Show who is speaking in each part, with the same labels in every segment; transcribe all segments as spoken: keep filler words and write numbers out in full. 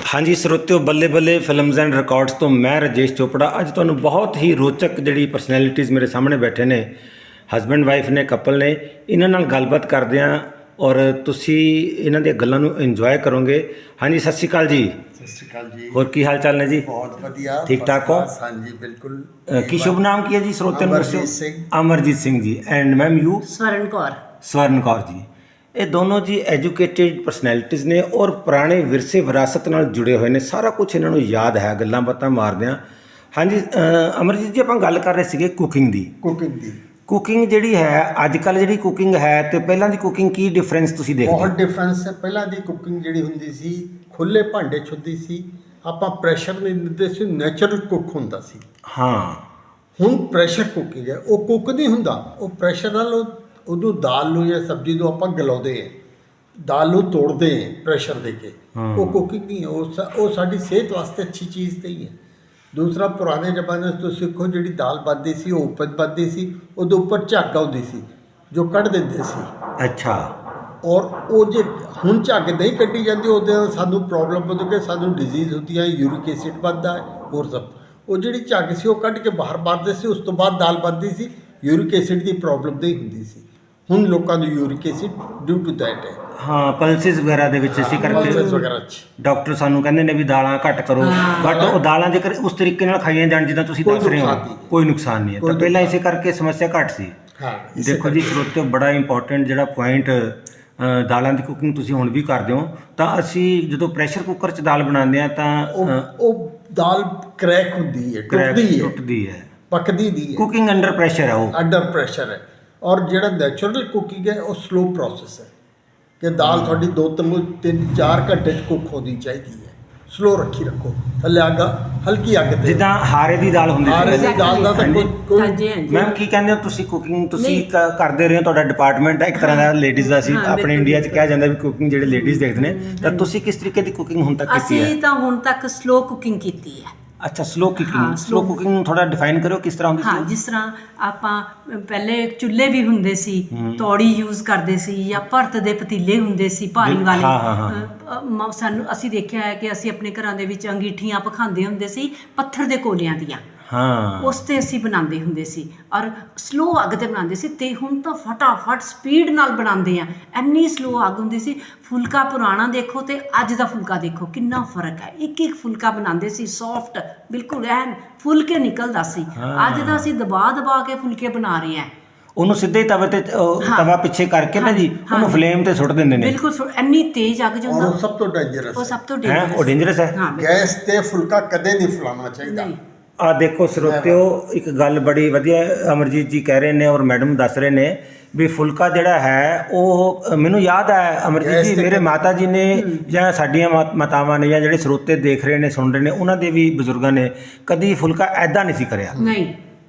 Speaker 1: ਹਾਂਜੀ ਸਰੋਤਿਓ, ਬੱਲੇ ਬੱਲੇ ਫਿਲਮਸ ਐਂਡ ਰਿਕਾਰਡਸ ਤੋਂ ਮੈਂ ਰਾਜੇਸ਼ ਚੋਪੜਾ ਅੱਜ ਤੁਹਾਨੂੰ ਬਹੁਤ ਹੀ ਰੋਚਕ ਜਿਹੜੀ ਪਰਸਨੈਲਿਟੀਜ਼ ਮੇਰੇ ਸਾਹਮਣੇ ਬੈਠੇ ਨੇ, ਹਸਬੈਂਡ ਵਾਈਫ ਨੇ, ਕਪਲ ਨੇ, ਇਹਨਾਂ ਨਾਲ ਗੱਲਬਾਤ ਕਰਦੇ ਹਾਂ ਔਰ ਤੁਸੀਂ ਇਹਨਾਂ ਦੀਆਂ ਗੱਲਾਂ ਨੂੰ ਇੰਜੋਏ ਕਰੋਗੇ। ਹਾਂਜੀ, ਸਤਿ ਸ਼੍ਰੀ ਅਕਾਲ ਜੀ।
Speaker 2: ਸਤਿ ਸ਼੍ਰੀ ਅਕਾਲ ਜੀ।
Speaker 1: ਹੋਰ ਕੀ ਹਾਲ ਚਾਲ ਨੇ ਜੀ?
Speaker 2: ਬਹੁਤ ਵਧੀਆ,
Speaker 1: ਠੀਕ ਠਾਕ ਹੋ?
Speaker 2: ਹਾਂਜੀ ਬਿਲकुल।
Speaker 1: ਕੀ ਸ਼ੁਭ ਨਾਮ ਕੀ ਹੈ ਜੀ ਸਰੋਤਿਆਂ ਨੂੰ ਦੱਸਿਓ?
Speaker 2: Amarjit Singh.
Speaker 1: Amarjeet Singh ji. And ma'am you?
Speaker 3: Swaran Kaur.
Speaker 1: Swaran Kaur ji. ਇਹ ਦੋਨੋਂ ਜੀ ਐਜੂਕੇਟਿਡ ਪਰਸਨੈਲਿਟੀਜ਼ ਨੇ ਔਰ ਪੁਰਾਣੇ ਵਿਰਸੇ ਵਿਰਾਸਤ ਨਾਲ ਜੁੜੇ ਹੋਏ ਨੇ। ਸਾਰਾ ਕੁਝ ਇਹਨਾਂ ਨੂੰ ਯਾਦ ਹੈ, ਗੱਲਾਂ ਬਾਤਾਂ ਮਾਰਦੇ ਹਾਂ। ਹਾਂਜੀ ਅਮਰਜੀਤ ਜੀ, ਆਪਾਂ ਗੱਲ ਕਰ ਰਹੇ ਸੀਗੇ ਕੁਕਿੰਗ ਦੀ।
Speaker 2: ਕੁਕਿੰਗ ਦੀ
Speaker 1: ਕੁਕਿੰਗ ਜਿਹੜੀ ਹੈ ਅੱਜ ਕੱਲ੍ਹ, ਜਿਹੜੀ ਕੁਕਿੰਗ ਹੈ ਤੇ ਪਹਿਲਾਂ ਦੀ ਕੁਕਿੰਗ, ਕੀ ਡਿਫਰੈਂਸ ਤੁਸੀਂ ਦੇਖਦੇ ਹੋ?
Speaker 2: ਬਹੁਤ ਡਿਫਰੈਂਸ ਹੈ। ਪਹਿਲਾਂ ਦੀ ਕੁਕਿੰਗ ਜਿਹੜੀ ਹੁੰਦੀ ਸੀ, ਖੁੱਲੇ ਭਾਂਡੇ 'ਚ ਹੁੰਦੀ ਸੀ, ਆਪਾਂ ਪ੍ਰੈਸ਼ਰ ਨਹੀਂ ਦਿੰਦੇ ਸੀ, ਨੈਚੁਰਲ ਕੁੱਕ ਹੁੰਦਾ ਸੀ।
Speaker 1: ਹਾਂ,
Speaker 2: ਹੁਣ ਪ੍ਰੈਸ਼ਰ ਕੁਕਿੰਗ ਹੈ, ਉਹ ਕੁੱਕ ਨਹੀਂ ਹੁੰਦਾ, ਉਹ ਪ੍ਰੈਸ਼ਰ ਨਾਲ ਉਹ- ਉਦੋਂ ਦਾਲ ਨੂੰ ਜਾਂ ਸਬਜ਼ੀ ਨੂੰ ਆਪਾਂ ਗਲਾਉਂਦੇ ਹਾਂ, ਦਾਲ ਨੂੰ ਤੋੜਦੇ ਹਾਂ ਪ੍ਰੈਸ਼ਰ ਦੇ ਕੇ। ਉਹ ਕੁਕਿੰਗ ਨਹੀਂ ਹੈ, ਉਹ ਸਾ- ਉਹ ਸਾਡੀ ਸਿਹਤ ਵਾਸਤੇ ਅੱਛੀ ਚੀਜ਼ ਨਹੀਂ ਹੈ। ਦੂਸਰਾ, ਪੁਰਾਣੇ ਜ਼ਮਾਨੇ 'ਚ ਤੁਸੀਂ ਸਿੱਖੋ, ਜਿਹੜੀ ਦਾਲ ਬਣਦੀ ਸੀ ਉਹ ਉੱਪਰ ਬਣਦੀ ਸੀ, ਉਹਦੇ ਉੱਪਰ ਝੱਗ ਆਉਂਦੀ ਸੀ ਜੋ ਕੱਢ ਦਿੰਦੇ ਸੀ।
Speaker 1: ਅੱਛਾ।
Speaker 2: ਔਰ ਉਹ ਜੇ ਹੁਣ ਝੱਗ ਨਹੀਂ ਕੱਢੀ ਜਾਂਦੀ, ਉਹਦੇ ਨਾਲ ਸਾਨੂੰ ਪ੍ਰੋਬਲਮ ਹੁੰਦੀ ਕਿ ਸਾਨੂੰ ਡਿਜ਼ੀਜ਼ ਹੁੰਦੀ ਹੈ, ਯੂਰਿਕ ਐਸਿਡ ਵੱਧਦਾ ਹੈ, ਹੋਰ ਸਭ। ਉਹ ਜਿਹੜੀ ਝੱਗ ਸੀ ਉਹ ਕੱਢ ਕੇ ਬਾਹਰ ਮਾਰਦੇ ਸੀ, ਉਸ ਤੋਂ ਬਾਅਦ ਦਾਲ ਬਣਦੀ ਸੀ, ਯੂਰਿਕ ਐਸਿਡ ਦੀ ਪ੍ਰੋਬਲਮ ਨਹੀਂ ਹੁੰਦੀ ਸੀ। ਹੁਣ ਲੋਕਾਂ ਨੂੰ uric acid due to that ਹੈ।
Speaker 1: ਹਾਂ, ਪਲਸਿਸ ਵਗੈਰਾ ਦੇ ਵਿੱਚ ਇਸੇ ਕਰਕੇ
Speaker 2: ਪਲਸਿਸ ਵਗੈਰਾ 'ਚ
Speaker 1: ਡਾਕਟਰ ਸਾਨੂੰ ਕਹਿੰਦੇ ਨੇ ਵੀ ਦਾਲਾਂ ਘੱਟ ਕਰੋ, ਬਟ ਉਹ ਦਾਲਾਂ ਜੇਕਰ ਉਸ ਤਰੀਕੇ ਨਾਲ ਖਾਈਆਂ ਜਾਣ ਜਿੱਦਾਂ ਤੁਸੀਂ
Speaker 2: ਕੋਈ
Speaker 1: ਦੱਸ ਰਹੇ ਹੋ,
Speaker 2: ਨੁਕਸਾਨ ਨਹੀਂ।
Speaker 1: ਕੋਈ ਨੁਕਸਾਨ ਨਹੀਂ ਹੈ।
Speaker 2: ਕੋਈ
Speaker 1: ਤਾਂ ਪਹਿਲਾਂ ਇਸੇ
Speaker 2: ਨੁਕਸਾਨ
Speaker 1: ਕਰਕੇ ਸਮੱਸਿਆ ਘੱਟ ਸੀ।
Speaker 2: ਹਾਂ, ਇਸੇ
Speaker 1: ਦੇਖੋ ਜੀ ਸਰੋਤਿਓ, ਬੜਾ ਇੰਪੋਰਟੈਂਟ ਜਿਹੜਾ ਪੁਆਇੰਟ, ਦਾਲਾਂ ਦੀ ਕੁਕਿੰਗ ਤੁਸੀਂ ਹੁਣ ਵੀ ਕਰਦੇ ਹੋ। ਤਾਂ ਅਸੀਂ ਜਦੋਂ ਪ੍ਰੈਸ਼ਰ ਕੁੱਕਰ 'ਚ ਦਾਲ ਬਣਾਉਂਦੇ ਹਾਂ ਤਾਂ
Speaker 2: ਉਹ ਉਹ ਦਾਲ ਕਰੈਕ ਹੁੰਦੀ ਹੈ,
Speaker 1: ਕਰੈਕ
Speaker 2: ਟੁੱਟਦੀ ਹੈ,
Speaker 1: ਟੁੱਟਦੀ ਹੈ।
Speaker 2: ਪੱਕਦੀ ਨਹੀਂ ਹੈ,
Speaker 1: ਕੁਕਿੰਗ ਅੰਡਰ ਪ੍ਰੈਸ਼ਰ ਹੈ ਉਹ।
Speaker 2: ਅੰਡਰ ਪ੍ਰੈਸ਼ਰ ਹੈ। ਔਰ ਜਿਹੜਾ ਨੈਚੁਰਲ ਕੁਕਿੰਗ ਹੈ ਉਹ ਸਲੋ ਪ੍ਰੋਸੈਸ ਹੈ, ਕਿ ਦਾਲ ਤੁਹਾਡੀ ਦੋ ਤਿੰਨ ਤਿੰਨ ਚਾਰ ਘੰਟੇ 'ਚ ਕੁੱਕ ਹੋਣੀ ਚਾਹੀਦੀ ਹੈ। ਸਲੋ ਰੱਖੀ ਰੱਖੋ, ਥੱਲੇ ਅੱਗ ਹਲਕੀ ਅੱਗ ਤੇ।
Speaker 1: ਜਿੱਦਾਂ ਹਾਰੇ ਦੀ ਦਾਲ ਹੁੰਦੀ
Speaker 2: ਹਾਰੇ
Speaker 1: ਸੀ।
Speaker 2: ਦੀ ਦਾਲ ਦਾ ਤਾਂ ਕੋਈ ਕੋਈ
Speaker 3: ਹਾਂਜੀ ਹਾਂਜੀ।
Speaker 1: ਮੈਮ ਕੀ ਕਹਿੰਦੇ ਹੋ ਤੁਸੀਂ? ਕੁਕਿੰਗ ਤੁਸੀਂ
Speaker 3: ਨਹੀਂ।
Speaker 1: ਕ- ਕਰਦੇ ਰਹੇ ਹੋ, ਤੁਹਾਡਾ ਡਿਪਾਰਟਮੈਂਟ ਹੈ ਇੱਕ ਤਰ੍ਹਾਂ ਦਾ ਲੇਡੀਜ਼ ਦਾ। ਅਸੀਂ
Speaker 3: ਹਾਂ,
Speaker 1: ਆਪਣੇ
Speaker 3: ਬਿਲਕੁਲ,
Speaker 1: ਇੰਡੀਆ 'ਚ ਕਿਹਾ ਜਾਂਦਾ ਵੀ ਕੁਕਿੰਗ ਜਿਹੜੇ ਲੇਡੀਜ਼ ਦੇਖਦੇ ਨੇ, ਤਾਂ ਤੁਸੀਂ ਕਿਸ ਤਰੀਕੇ ਦੀ ਕੁਕਿੰਗ ਹੁਣ ਤੱਕ ਕੀਤੀ ਹੈ?
Speaker 3: ਅਸੀਂ ਤਾਂ ਹੁਣ ਤੱਕ ਸਲੋ ਕੁਕਿੰਗ ਕੀਤੀ ਹੈ।
Speaker 1: ਅੱਛਾ, ਸਲੋ
Speaker 3: ਹਾਂ,
Speaker 1: ਕੁਕਿੰਗ। ਸਲੋ
Speaker 3: slow-
Speaker 1: ਕੁਕਿੰਗ ਥੋੜਾ ਡਿਫਾਈਨ ਕਰਿਓ ਕਿਸ ਤਰ੍ਹਾਂ ਹੁੰਦੀ
Speaker 3: ਹਾਂ,
Speaker 1: ਸੀ?
Speaker 3: ਜਿਸ ਤਰ੍ਹਾਂ ਆਪਾਂ ਪਹਿਲੇ ਚੁੱਲ੍ਹੇ ਵੀ ਹੁੰਦੇ ਸੀ, ਤੌੜੀ ਯੂਜ਼ ਕਰਦੇ ਸੀ, ਜਾਂ ਭਰਤ ਦੇ ਪਤੀਲੇ ਹੁੰਦੇ ਸੀ ਭਾਰੀ
Speaker 1: ਬਿਲ-
Speaker 3: ਵਾਲੇ।
Speaker 1: ਹਾਂ, ਹਾਂ, ਹਾਂ।
Speaker 3: ਅ, ਮ- ਸਾਨੂੰ ਅਸੀਂ ਦੇਖਿਆ ਹੈ ਕਿ ਅਸੀਂ ਆਪਣੇ ਘਰਾਂ ਦੇ ਵਿੱਚ ਅੰਗੀਠੀਆਂ ਪਖਾਉਂਦੇ ਹੁੰਦੇ ਸੀ ਪੱਥਰ ਦੇ ਕੋਲਿਆਂ ਦੀਆਂ,
Speaker 1: ਹਾਂ,
Speaker 3: ਉਸ 'ਤੇ ਅਸੀਂ ਬਣਾਉਂਦੇ ਹੁੰਦੇ ਸੀ ਔਰ ਸਲੋ ਅੱਗ 'ਤੇ ਬਣਾਉਂਦੇ ਸੀ। ਤੇ ਹੁਣ ਤਾਂ ਫਟਾਫਟ ਸਪੀਡ ਨਾਲ ਬਣਾਉਂਦੇ ਆ, ਇੰਨੀ ਸਲੋ ਅੱਗ ਹੁੰਦੀ ਸੀ। ਫੁਲਕਾ ਪੁਰਾਣਾ ਦੇਖੋ ਤੇ ਅੱਜ ਦਾ ਫੁਲਕਾ ਦੇਖੋ, ਕਿੰਨਾ ਫਰਕ ਹੈ। ਇੱਕ ਇੱਕ ਫੁਲਕਾ ਬਣਾਉਂਦੇ ਸੀ ਸੌਫਟ, ਬਿਲਕੁਲ ਐਨ ਫੁੱਲ ਕੇ ਨਿਕਲਦਾ ਸੀ। ਅੱਜ ਤਾਂ ਅਸੀਂ ਦਬਾ ਦਬਾ ਕੇ ਫੁਲਕੇ ਬਣਾ ਰਹੇ ਹਾਂ।
Speaker 1: ਉਹਨੂੰ ਸਿੱਧੇ ਹੀ ਤਵੇ ਤੇ ਉਹ
Speaker 3: ਹਾਂ।
Speaker 1: ਤਵਾ ਪਿੱਛੇ ਕਰਕੇ ਨਾ ਜੀ,
Speaker 3: ਹਾਂ,
Speaker 1: ਉਹਨੂੰ
Speaker 3: ਹਾਂ।
Speaker 1: ਫਲੇਮ ਤੇ ਸੁੱਟ ਦਿੰਦੇ ਨੇ।
Speaker 3: ਬਿਲਕੁਲ ਸੁ- ਇੰਨੀ ਤੇਜ਼ ਅੱਗ ਜੋ
Speaker 2: ਔਰ
Speaker 3: ਹੁੰਦਾ,
Speaker 2: ਉਹ ਸਭ ਤੋਂ ਡੇਂਜਰਸ
Speaker 3: ਉਹ
Speaker 2: ਹੈ।
Speaker 3: ਸਭ ਤੋਂ
Speaker 1: ਹੈ ਉਹ
Speaker 3: ਡੇਂਜਰਸ
Speaker 1: ਡੇਂਜਰਸ ਹੈ।
Speaker 3: ਹਾਂ, ਬਿਲਕੁਲ।
Speaker 2: ਗੈਸ ਤੇ ਫੁਲਕਾ ਕਦੇ ਨਹੀਂ ਫੁਲਾਉਣਾ ਚਾਹੀਦਾ।
Speaker 3: ਨਹੀਂ।
Speaker 1: ਆ ਦੇਖੋ ਸਰੋਤਿਓ, ਇੱਕ ਗੱਲ ਬੜੀ ਵਧੀਆ ਅਮਰਜੀਤ ਜੀ ਕਹਿ ਰਹੇ ਨੇ ਔਰ ਮੈਡਮ ਦੱਸ ਰਹੇ ਨੇ ਵੀ ਫੁਲਕਾ ਜਿਹੜਾ ਹੈ ਉਹ, ਅ, ਮੈਨੂੰ ਯਾਦ ਹੈ ਅਮਰਜੀਤ
Speaker 2: ਗੈਸ
Speaker 1: ਜੀ,
Speaker 2: ਤੇ
Speaker 1: ਮੇਰੇ ਮਾਤਾ ਜੀ ਨੇ ਜਾਂ ਸਾਡੀਆਂ ਮਾ- ਮਾਤਾਵਾਂ ਨੇ ਜਾਂ ਜਿਹੜੇ ਸਰੋਤੇ ਦੇਖ ਰਹੇ ਨੇ, ਸੁਣ ਰਹੇ ਨੇ, ਉਹਨਾਂ ਦੇ ਵੀ ਬਜ਼ੁਰਗਾਂ ਨੇ ਕਦੀ ਫੁਲਕਾ ਐਦਾਂ ਨਹੀਂ ਸੀ ਕਰਿਆ।
Speaker 3: ਨਹੀਂ,